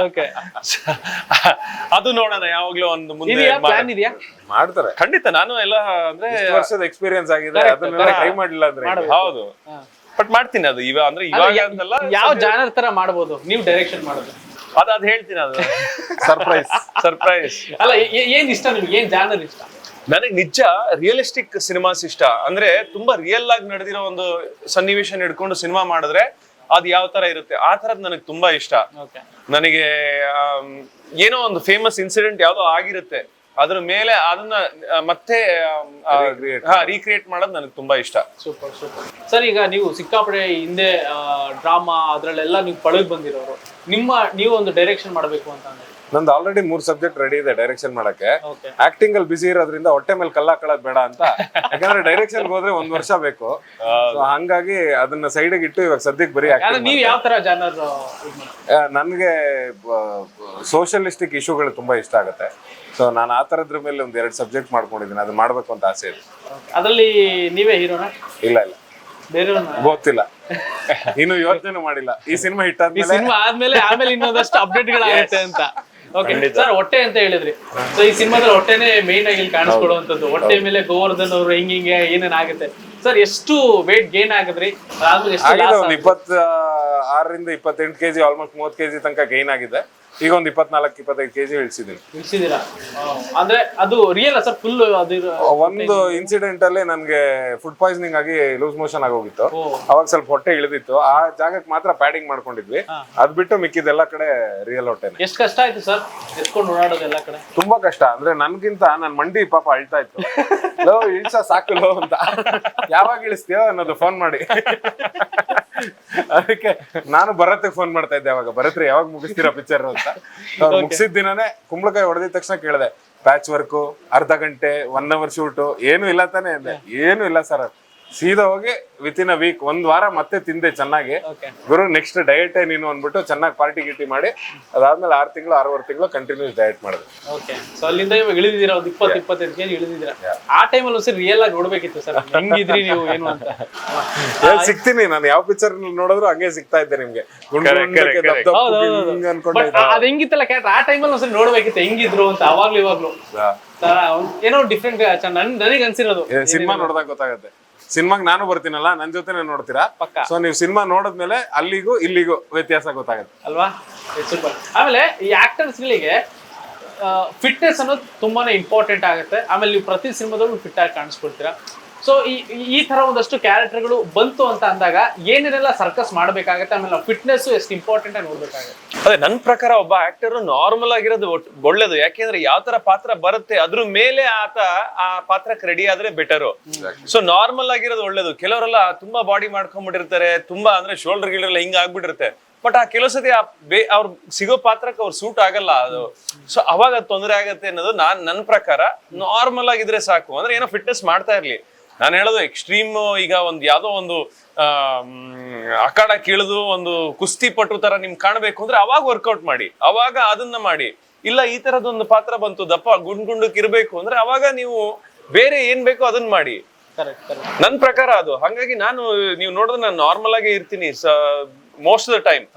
S2: ಅದು ನೋಡೋಣ ಯಾವಾಗ್ಲೂ ಒಂದು ಮುಂದೆ
S3: ಪ್ಲಾನ್ ಇದೆಯಾ?
S1: ಮಾಡ್ತಾರೆ
S2: ಖಂಡಿತ. ನಾನು ಎಲ್ಲ ಅಂದ್ರೆ
S1: ವರ್ಷದ ಎಕ್ಸ್ಪೀರಿಯನ್ಸ್ ಆಗಿದೆ, ಅದನ್ನ ಟ್ರೈ ಮಾಡಿಲ್ಲ ಅಂದ್ರೆ
S2: ಹೌದು, ಬಟ್ ಮಾಡ್ತೀನಿ ಅದು ಇವಾಗ ಅಂತಲ್ಲ.
S3: ಯಾವ ಜಾನರ್ ತರ ಮಾಡ್ಬೋದು ನೀವು ಡೈರೆಕ್ಷನ್ ಮಾಡೋದು?
S2: ಅದ್ ಹೇಳ್ತೀನಿ, ಅದು ಸರ್ಪ್ರೈಸ್.
S3: ಅಲ್ಲ, ಏನ್ ಇಷ್ಟ ನಿಮ್ಗೆ, ಏನ್ ಜಾನರ್ ಇಷ್ಟ?
S2: ನನಗೆ ನಿಜ ರಿಯಲಿಸ್ಟಿಕ್ ಸಿನಿಮಾಸ್ ಇಷ್ಟ. ಅಂದ್ರೆ ತುಂಬಾ ರಿಯಲ್ ಆಗಿ ನಡೆದಿರೋ ಒಂದು ಸನ್ನಿವೇಶ ಹಿಡ್ಕೊಂಡು ಸಿನಿಮಾ ಮಾಡಿದ್ರೆ ಅದ್ ಯಾವ ತರ ಇರುತ್ತೆ ಆ ತರದ್ ನನಗೆ ತುಂಬಾ ಇಷ್ಟ. ನನಗೆ ಏನೋ ಒಂದು ಫೇಮಸ್ ಇನ್ಸಿಡೆಂಟ್ ಯಾವ್ದೋ ಆಗಿರುತ್ತೆ, ಅದ್ರ ಮೇಲೆ ಅದನ್ನ ಮತ್ತೆ ರೀಕ್ರಿಯೇಟ್ ಮಾಡೋದು ನನಗೆ ತುಂಬಾ ಇಷ್ಟ.
S3: ಸೂಪರ್. ಸರ್ ಈಗ ನೀವು ಸಿಕ್ಕಾಪಡೆ ಹಿಂದೆ ಡ್ರಾಮಾ ಅದ್ರಲ್ಲೆಲ್ಲ ನೀವು ಪಳಗ್ ಬಂದಿರೋರು, ನೀವು ಒಂದು ಡೈರೆಕ್ಷನ್ ಮಾಡಬೇಕು ಅಂತ ಅಂದ್ರೆ?
S1: ನಂದು ಆಲ್ರೆಡಿ 3 ಸಬ್ಜೆಕ್ಟ್ ರೆಡಿ ಇದೆ ಡೈರೆಕ್ಷನ್ ಮಾಡಕ್ಕೆ. ಆಕ್ಟಿಂಗ್ ಅಲ್ಲಿ ಬಿಸಿ ಇರೋದ್ರಿಂದ ಹೊಟ್ಟೆ ಮೇಲೆ ಕಲ್ಲಾಕೊಳ್ಳೋದು ಬೇಡ ಅಂತ, ಯಾಕಂದ್ರೆ ಡೈರೆಕ್ಷನ್ ಹೋದ್ರೆ 1 ವರ್ಷ ಬೇಕು. ಹಂಗಾಗಿ ಅದನ್ನ ಸೈಡ್ ಇಟ್ಟು ಇವಾಗ ಸದ್ಯಕ್ಕೆ ಬರೀ
S3: ನೀವು ಯಾವ ತರ ಜಾನರ್?
S1: ನನ್ಗೆ ಸೋಷಿಯಲಿಸ್ಟಿಕ್ ಇಶ್ಯೂಗಳು ತುಂಬಾ ಇಷ್ಟ ಆಗುತ್ತೆ. ಸೊ ನಾನು ಆ ತರದ್ರ ಮೇಲೆ 1-2 ಸಬ್ಜೆಕ್ಟ್ ಮಾಡ್ಕೊಂಡಿದ್ದೀನಿ, ಅದು ಮಾಡ್ಬೇಕು ಅಂತ ಆಸೆ ಇದೆ.
S3: ಅದ್ರಲ್ಲಿ ನೀವೇ ಹೀರೋನ?
S1: ಇಲ್ಲ,
S3: ಬೇರೆ
S1: ಗೊತ್ತಿಲ್ಲ, ಇನ್ನು ಯೋಚನೆ ಮಾಡಿಲ್ಲ. ಈ ಸಿನಿಮಾ ಹಿಟ್
S3: ಆದ್ಮೇಲೆ ಇನ್ನೊಂದಷ್ಟು ಅಪ್ಡೇಟ್ ಗಳಾಗುತ್ತೆ ಅಂತ. ಓಕೆ ಸರ್, ಹೊಟ್ಟೆ ಅಂತ ಹೇಳಿದ್ರಿ. ಸೊ ಈ ಸಿನಿಮಾದಲ್ಲಿ ಹೊಟ್ಟೆನೆ ಮೇನ್ ಆಗಿ ಇಲ್ಲಿ ಕಾಣಿಸ್ಕೊಳ್ಳುವಂತದ್ದು. ಹೊಟ್ಟೆ ಮೇಲೆ ಗೋವರ್ಧನ್ ಅವರು ಹಿಂಗೆ ಏನೇನ್ ಆಗುತ್ತೆ ಸರ್? ಎಷ್ಟು ವೇಟ್ ಗೇನ್ ಆಗಿದ್ರಿ?
S1: ಒಂದು 26ರಿಂದ 28 kg, ಆಲ್ಮೋಸ್ಟ್ 30 kg ತನಕ ಗೈನ್ ಆಗಿದೆ. ಈಗ ಒಂದು 24-25 kg
S3: ಇಳಿಸಿದ್ದೀರಾ? ಅಂದ್ರೆ ಅದು ರಿಯಲ್ ಸರ್? ಫುಲ್
S1: ಒಂದು ಇನ್ಸಿಡೆಂಟ್ ಅಲ್ಲಿ ನನ್ಗೆ ಫುಡ್ ಪಾಯ್ಸನಿಂಗ್ ಆಗಿ ಲೂಸ್ ಮೋಷನ್ ಆಗೋಗಿತ್ತು. ಅವಾಗ ಸ್ವಲ್ಪ ಹೊಟ್ಟೆ ಇಳಿದಿತ್ತು, ಆ ಜಾಗಕ್ಕೆ ಮಾತ್ರ ಪ್ಯಾಡಿಂಗ್ ಮಾಡ್ಕೊಂಡಿದ್ವಿ. ಅದ್ ಬಿಟ್ಟು ಮಿಕ್ಕಿದೆಲ್ಲ ಕಡೆ ರಿಯಲ್ ಹೊಟ್ಟೆ.
S3: ಎಷ್ಟು ಕಷ್ಟ ಆಯ್ತು ಸರ್ ಎತ್ಕೊಂಡು ಓಡಾಡೋದು ಎಲ್ಲ ಕಡೆ?
S1: ತುಂಬಾ ಕಷ್ಟ. ಅಂದ್ರೆ ನನ್ಗಿಂತ ನನ್ ಮಂಡಿ ಪಾಪ ಅಳ್ತಾ ಇತ್ತು, ಇಳಿಸ ಸಾಕು ಅಂತ. ಯಾವಾಗ ಇಳಿಸ್ತೀಯೋ ಅನ್ನೋದು ಫೋನ್ ಮಾಡಿ. ಅದಕ್ಕೆ ನಾನು ಭರತ್ಗೆ ಫೋನ್ ಮಾಡ್ತಾ ಇದ್ದೆ ಅವಾಗ, ಭರತ್ರಿ ಯಾವಾಗ ಮುಗಿಸ್ತೀರಾ ಪಿಕ್ಚರ್ ಅಂತ. ಮುಗಿಸಿದ ದಿನನೇ ಕುಂಬಳಕಾಯಿ ಹೊಡೆದಿದ ತಕ್ಷಣ ಕೇಳಿದೆ, ಪ್ಯಾಚ್ ವರ್ಕು, ಅರ್ಧ ಗಂಟೆ, 1 hour ಶೂಟು, ಏನು ಇಲ್ಲ ತಾನೇ ಅಂದೆ. ಏನು ಇಲ್ಲ ಸರ್, ಸೀದಾ ಹೋಗಿ ವಿತಿನ್ ಅ ವೀಕ್, 1 ವಾರ ಮತ್ತೆ ತಿಂದೆ ಚೆನ್ನಾಗಿ. ಗುರು ನೆಕ್ಸ್ಟ್ ಡಯಟ್ ನೀನು ಅಂದ್ಬಿಟ್ಟು ಚೆನ್ನಾಗಿ ಪಾರ್ಟಿ ಗಿಟಿ ಮಾಡಿ, ಅದಾದ್ಮೇಲೆ 6 ತಿಂಗಳು 6.5 ತಿಂಗಳು ಕಂಟಿನ್ಯೂಸ್ ಡಯಟ್ ಮಾಡಿದೆ.
S3: ಓಕೆ, ಸೊ ಅಲ್ಲಿಂದ ಇವಾಗ ಇಳಿದಿದ್ದೀರಾ, ಒಂದು 20-25 kg ಇಳಿದಿದ್ದೀರಾ. ಆ ಟೈಮಲ್ಲಿ ಒಂದ್ಸರಿ ರಿಯಲ್ ಆಗಿ ನೋಡ್ಬೇಕಿತ್ತು ಸರ್, ಹೆಂಗಿದ್ರಿ ನೀವು ಏನು ಅಂತ.
S1: ಸಿಗ್ತೀನಿ ನಾನು, ಯಾವ ಪಿಕ್ಚರ್ ನೋಡಿದ್ರು ಹಂಗೆ ಸಿಗ್ತಾ ಇದ್ದೆ ನಿಮ್ಗೆ.
S3: ಅದ್ ಹೆಂಗಿತ್ತಲ್ಲ ಕ್ಯಾರೆಕ್ಟರ್, ಆ ಟೈಮಲ್ಲಿ ಒಂದ್ಸರಿ ನೋಡ್ಬೇಕಿತ್ತು ಹೆಂಗಿದ್ರು ಅಂತ. ಅವಾಗ್ಲೂ ಇವಾಗ್ಲೂ ಏನೋ ಡಿಫ್ರೆಂಟ್ ನನಗೆ ಅನ್ಸಿರೋದು.
S1: ಸಿನಿಮಾ ನೋಡಿದಾಗ ಗೊತ್ತಾಗುತ್ತೆ. ಸಿನಿಮಾಗ್ ನಾನು ಬರ್ತೀನಲ್ಲ, ನನ್ ಜೊತೆನೆ ನೋಡ್ತೀರಾ. ಸೊ ನೀವು ಸಿನಿಮಾ ನೋಡಿದ್ಮೇಲೆ ಅಲ್ಲಿಗೂ ಇಲ್ಲಿಗೂ ವ್ಯತ್ಯಾಸ ಗೊತ್ತಾಗುತ್ತೆ
S3: ಅಲ್ವಾ? ಸೂಪರ್. ಆಮೇಲೆ ಈ ಆಕ್ಟರ್ಸ್ ಗಳಿಗೆ ಫಿಟ್ನೆಸ್ ಅನ್ನೋದು ತುಂಬಾನೇ ಇಂಪಾರ್ಟೆಂಟ್ ಆಗುತ್ತೆ. ಆಮೇಲೆ ನೀವು ಪ್ರತಿ ಸಿನಿಮಾದಲ್ಲೂ ಫಿಟ್ ಆಗಿ ಕಾಣಿಸ್ಕೊಳ್ತೀರಾ. ಸೊ ಈ ತರ ಒಂದಷ್ಟು ಕ್ಯಾರೆಕ್ಟರ್ಗಳು ಬಂತು ಅಂತ ಅಂದಾಗ ಏನೇನೆಲ್ಲ ಸರ್ಕಸ್ ಮಾಡ್ಬೇಕಾಗತ್ತೆ, ಆಮೇಲೆ ಫಿಟ್ನೆಸ್ ಎಷ್ಟು ಇಂಪಾರ್ಟೆಂಟ್ ಆಗಿ ನೋಡ್ಬೇಕಾಗತ್ತೆ?
S2: ಅದೇ ನನ್ ಪ್ರಕಾರ ಒಬ್ಬ ಆಕ್ಟರ್ ನಾರ್ಮಲ್ ಆಗಿರೋದು ಒಳ್ಳೇದು. ಯಾಕೆಂದ್ರೆ ಯಾವ ತರ ಪಾತ್ರ ಬರುತ್ತೆ ಅದ್ರ ಮೇಲೆ ಆತ ಆ ಪಾತ್ರಕ್ಕೆ ರೆಡಿ ಆದ್ರೆ ಬೆಟರು. ಸೊ ನಾರ್ಮಲ್ ಆಗಿರೋದು ಒಳ್ಳೇದು. ಕೆಲವರೆಲ್ಲ ತುಂಬಾ ಬಾಡಿ ಮಾಡ್ಕೊಂಡ್ಬಿಟ್ಟಿರ್ತಾರೆ, ತುಂಬಾ ಅಂದ್ರೆ ಶೋಲ್ಡರ್ ಗಿಲ್ಡರ್ ಹಿಂಗ ಆಗ್ಬಿಟ್ಟಿರುತ್ತೆ. ಬಟ್ ಆ ಕೆಲವು ಸತಿ ಅವ್ರ ಸಿಗೋ ಪಾತ್ರಕ್ಕೆ ಅವ್ರು ಸೂಟ್ ಆಗಲ್ಲ ಅದು. ಸೊ ಅವಾಗ ಅದು ತೊಂದರೆ ಆಗತ್ತೆ ಅನ್ನೋದು ನನ್ನ ಪ್ರಕಾರ. ನಾರ್ಮಲ್ ಆಗಿದ್ರೆ ಸಾಕು, ಅಂದ್ರೆ ಏನೋ ಫಿಟ್ನೆಸ್ ಮಾಡ್ತಾ ಇರ್ಲಿ. ನಾನು ಹೇಳೋದು ಎಕ್ಸ್ಟ್ರೀಮ್ ಈಗ ಒಂದು ಯಾವ್ದೋ ಒಂದು ಅಖಾಡ ಕೀಳದು ಒಂದು ಕುಸ್ತಿ ಪಟು ತರ ನಿಮ್ ಕಾಣ್ಬೇಕು ಅಂದ್ರೆ ಅವಾಗ ವರ್ಕೌಟ್ ಮಾಡಿ, ಅವಾಗ ಅದನ್ನ ಮಾಡಿ. ಇಲ್ಲ ಈ ತರದೊಂದು ಪಾತ್ರ ಬಂತು ದಪ್ಪ ಗುಂಡ್ಗುಂಡಕ್ ಇರ್ಬೇಕು ಅಂದ್ರೆ ಅವಾಗ ನೀವು ಬೇರೆ ಏನ್ ಬೇಕೋ ಅದನ್ನ ಮಾಡಿ. ನನ್ ಪ್ರಕಾರ ಅದು. ಹಾಗಾಗಿ ನೀವು ನೋಡಿದ್ರೆ ನಾನು ನಾರ್ಮಲ್ ಆಗೇ ಇರ್ತೀನಿ ಮೋಸ್ಟ್ ಆಫ್ ದ ಟೈಮ್.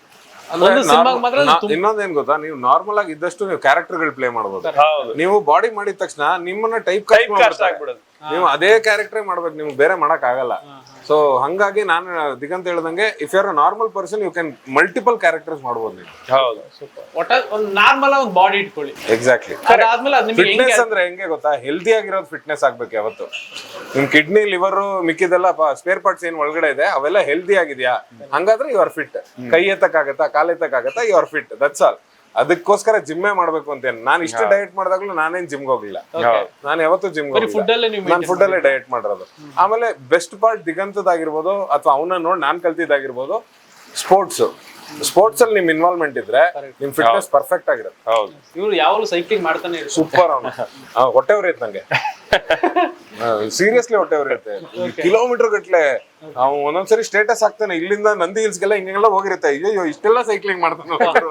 S1: ಇನ್ನೊಂದೇನ್ ಗೊತ್ತಾ, ನೀವು ನಾರ್ಮಲ್ ಆಗಿ ಇದ್ದಷ್ಟು ನೀವು ಕ್ಯಾರೆಕ್ಟರ್ ಪ್ಲೇ ಮಾಡಬಹುದು. ನೀವು ಬಾಡಿ ಮಾಡಿದ ತಕ್ಷಣ ನಿಮ್ಮನ್ನ ಟೈಪ್
S2: ಆಗ್ಬಿಡೋದು.
S1: ನೀವು ಅದೇ ಕ್ಯಾರೆಕ್ಟರ್ ಮಾಡ್ಬೇಕು, ನಿಮ್ಗೆ ಬೇರೆ ಮಾಡಕ್ ಆಗಲ್ಲ. ಸೊ ಹಂಗಾಗಿ ನಾನು ದಿಗಂತ ಹೇಳ್ದಂಗೆ if you are a normal person you can multiple characters ಮಾಡ್ಬೋದು ನೀವು.
S2: ಹೌದು,
S3: ಒಂದು ನಾರ್ಮಲ್ ಒಂದು ಬಾಡಿ ಇಟ್ಕೊಳ್ಳಿ.
S1: ಎಕ್ಸಾಕ್ಟ್ಲಿ. ಫಿಟ್ನೆಸ್ ಅಂದ್ರೆ ಹೆಂಗೆ ಗೊತ್ತಾ, ಹೆಲ್ದಿ ಆಗಿರೋದು ಫಿಟ್ನೆಸ್ ಆಗ್ಬೇಕು ಯಾವತ್ತು. ನಿಮ್ ಕಿಡ್ನಿ ಲಿವರ್ ಮಿಕ್ಕಿದೆಲ್ಲ ಸ್ಪೇರ್ ಪಾರ್ಟ್ಸ್ ಏನ್ ಒಳಗಡೆ ಇದೆ ಅವೆಲ್ಲ ಹೆಲ್ದಿ ಆಗಿದ್ಯಾ, ಹಂಗಾದ್ರೆ ಯು ಆರ್ ಫಿಟ್. ಕೈ ಎತ್ತಕ್ಕಾಗತ್ತಾ, ಕಾಲ್ ಎತ್ತಕ್ಕಾಗತ್ತಾ, you are fit. That's all. ಅದಕ್ಕೋಸ್ಕರ ಜಿಮ್ಮೇ ಮಾಡ್ಬೇಕು ಅಂತೇನು. ನಾನು ಇಷ್ಟು ಡಯಟ್ ಮಾಡಿದಾಗ್ಲೂ ನಾನೇನ್ ಜಿಮ್ಗೆ ಹೋಗ್ಲಿಲ್ಲ. ನಾನು ಯಾವತ್ತೂ ಜಿಮ್ಗೆ ಹೋಗಿಲ್ಲ, ನಾನು ಫುಡ್ ಅಲ್ಲೇ ಡಯಟ್ ಮಾಡಿರೋದು. ಆಮೇಲೆ ಬೆಸ್ಟ್ ಪಾರ್ಟ್ ದಿಗಂತದಾಗಿರ್ಬೋದು ಅಥವಾ ಅವನ್ನ ನೋಡಿ ನಾನ್ ಕಲ್ತಿದ್ದಾಗಿರ್ಬೋದು, ಸ್ಪೋರ್ಟ್ಸ್ ಅಲ್ಲಿ ನಿಮ್ ಇನ್ವಾಲ್ವ್ಮೆಂಟ್ ಇದ್ರೆ ನಿಮ್ ಫಿಟ್ನೆಸ್ ಪರ್ಫೆಕ್ಟ್ ಆಗಿರುತ್ತೆ.
S2: ಹೌದು.
S3: ಇವ್ರು ಯಾವಾಗಲೂ ಸೈಕ್ಲಿಂಗ್ ಮಾಡ್ತಾನೆ
S1: ಸೂಪರ್. ಅವನು ಹೊಟ್ಟೆ ಉರಿಯುತ್ತೆ ನಂಗೆ, ಸೀರಿಯಸ್ಲಿ ಹೊಟ್ಟೆ ಉರಿಯುತ್ತೆ. ಕಿಲೋಮೀಟರ್ ಗಟ್ಲೆ ಅವ್ನು ಒಂದೊಂದ್ಸರಿ ಸ್ಟೇಟಸ್ ಹಾಕ್ತಾನೆ, ಇಲ್ಲಿಂದ ನಂದಿ ಹಿಲ್ಸ್ಗೆಲ್ಲ ಹಿಂಗೆಲ್ಲ ಹೋಗಿರುತ್ತೆ. ಅಯ್ಯೋ ಇಷ್ಟೆಲ್ಲ ಸೈಕ್ಲಿಂಗ್ ಮಾಡ್ತಾನೆ.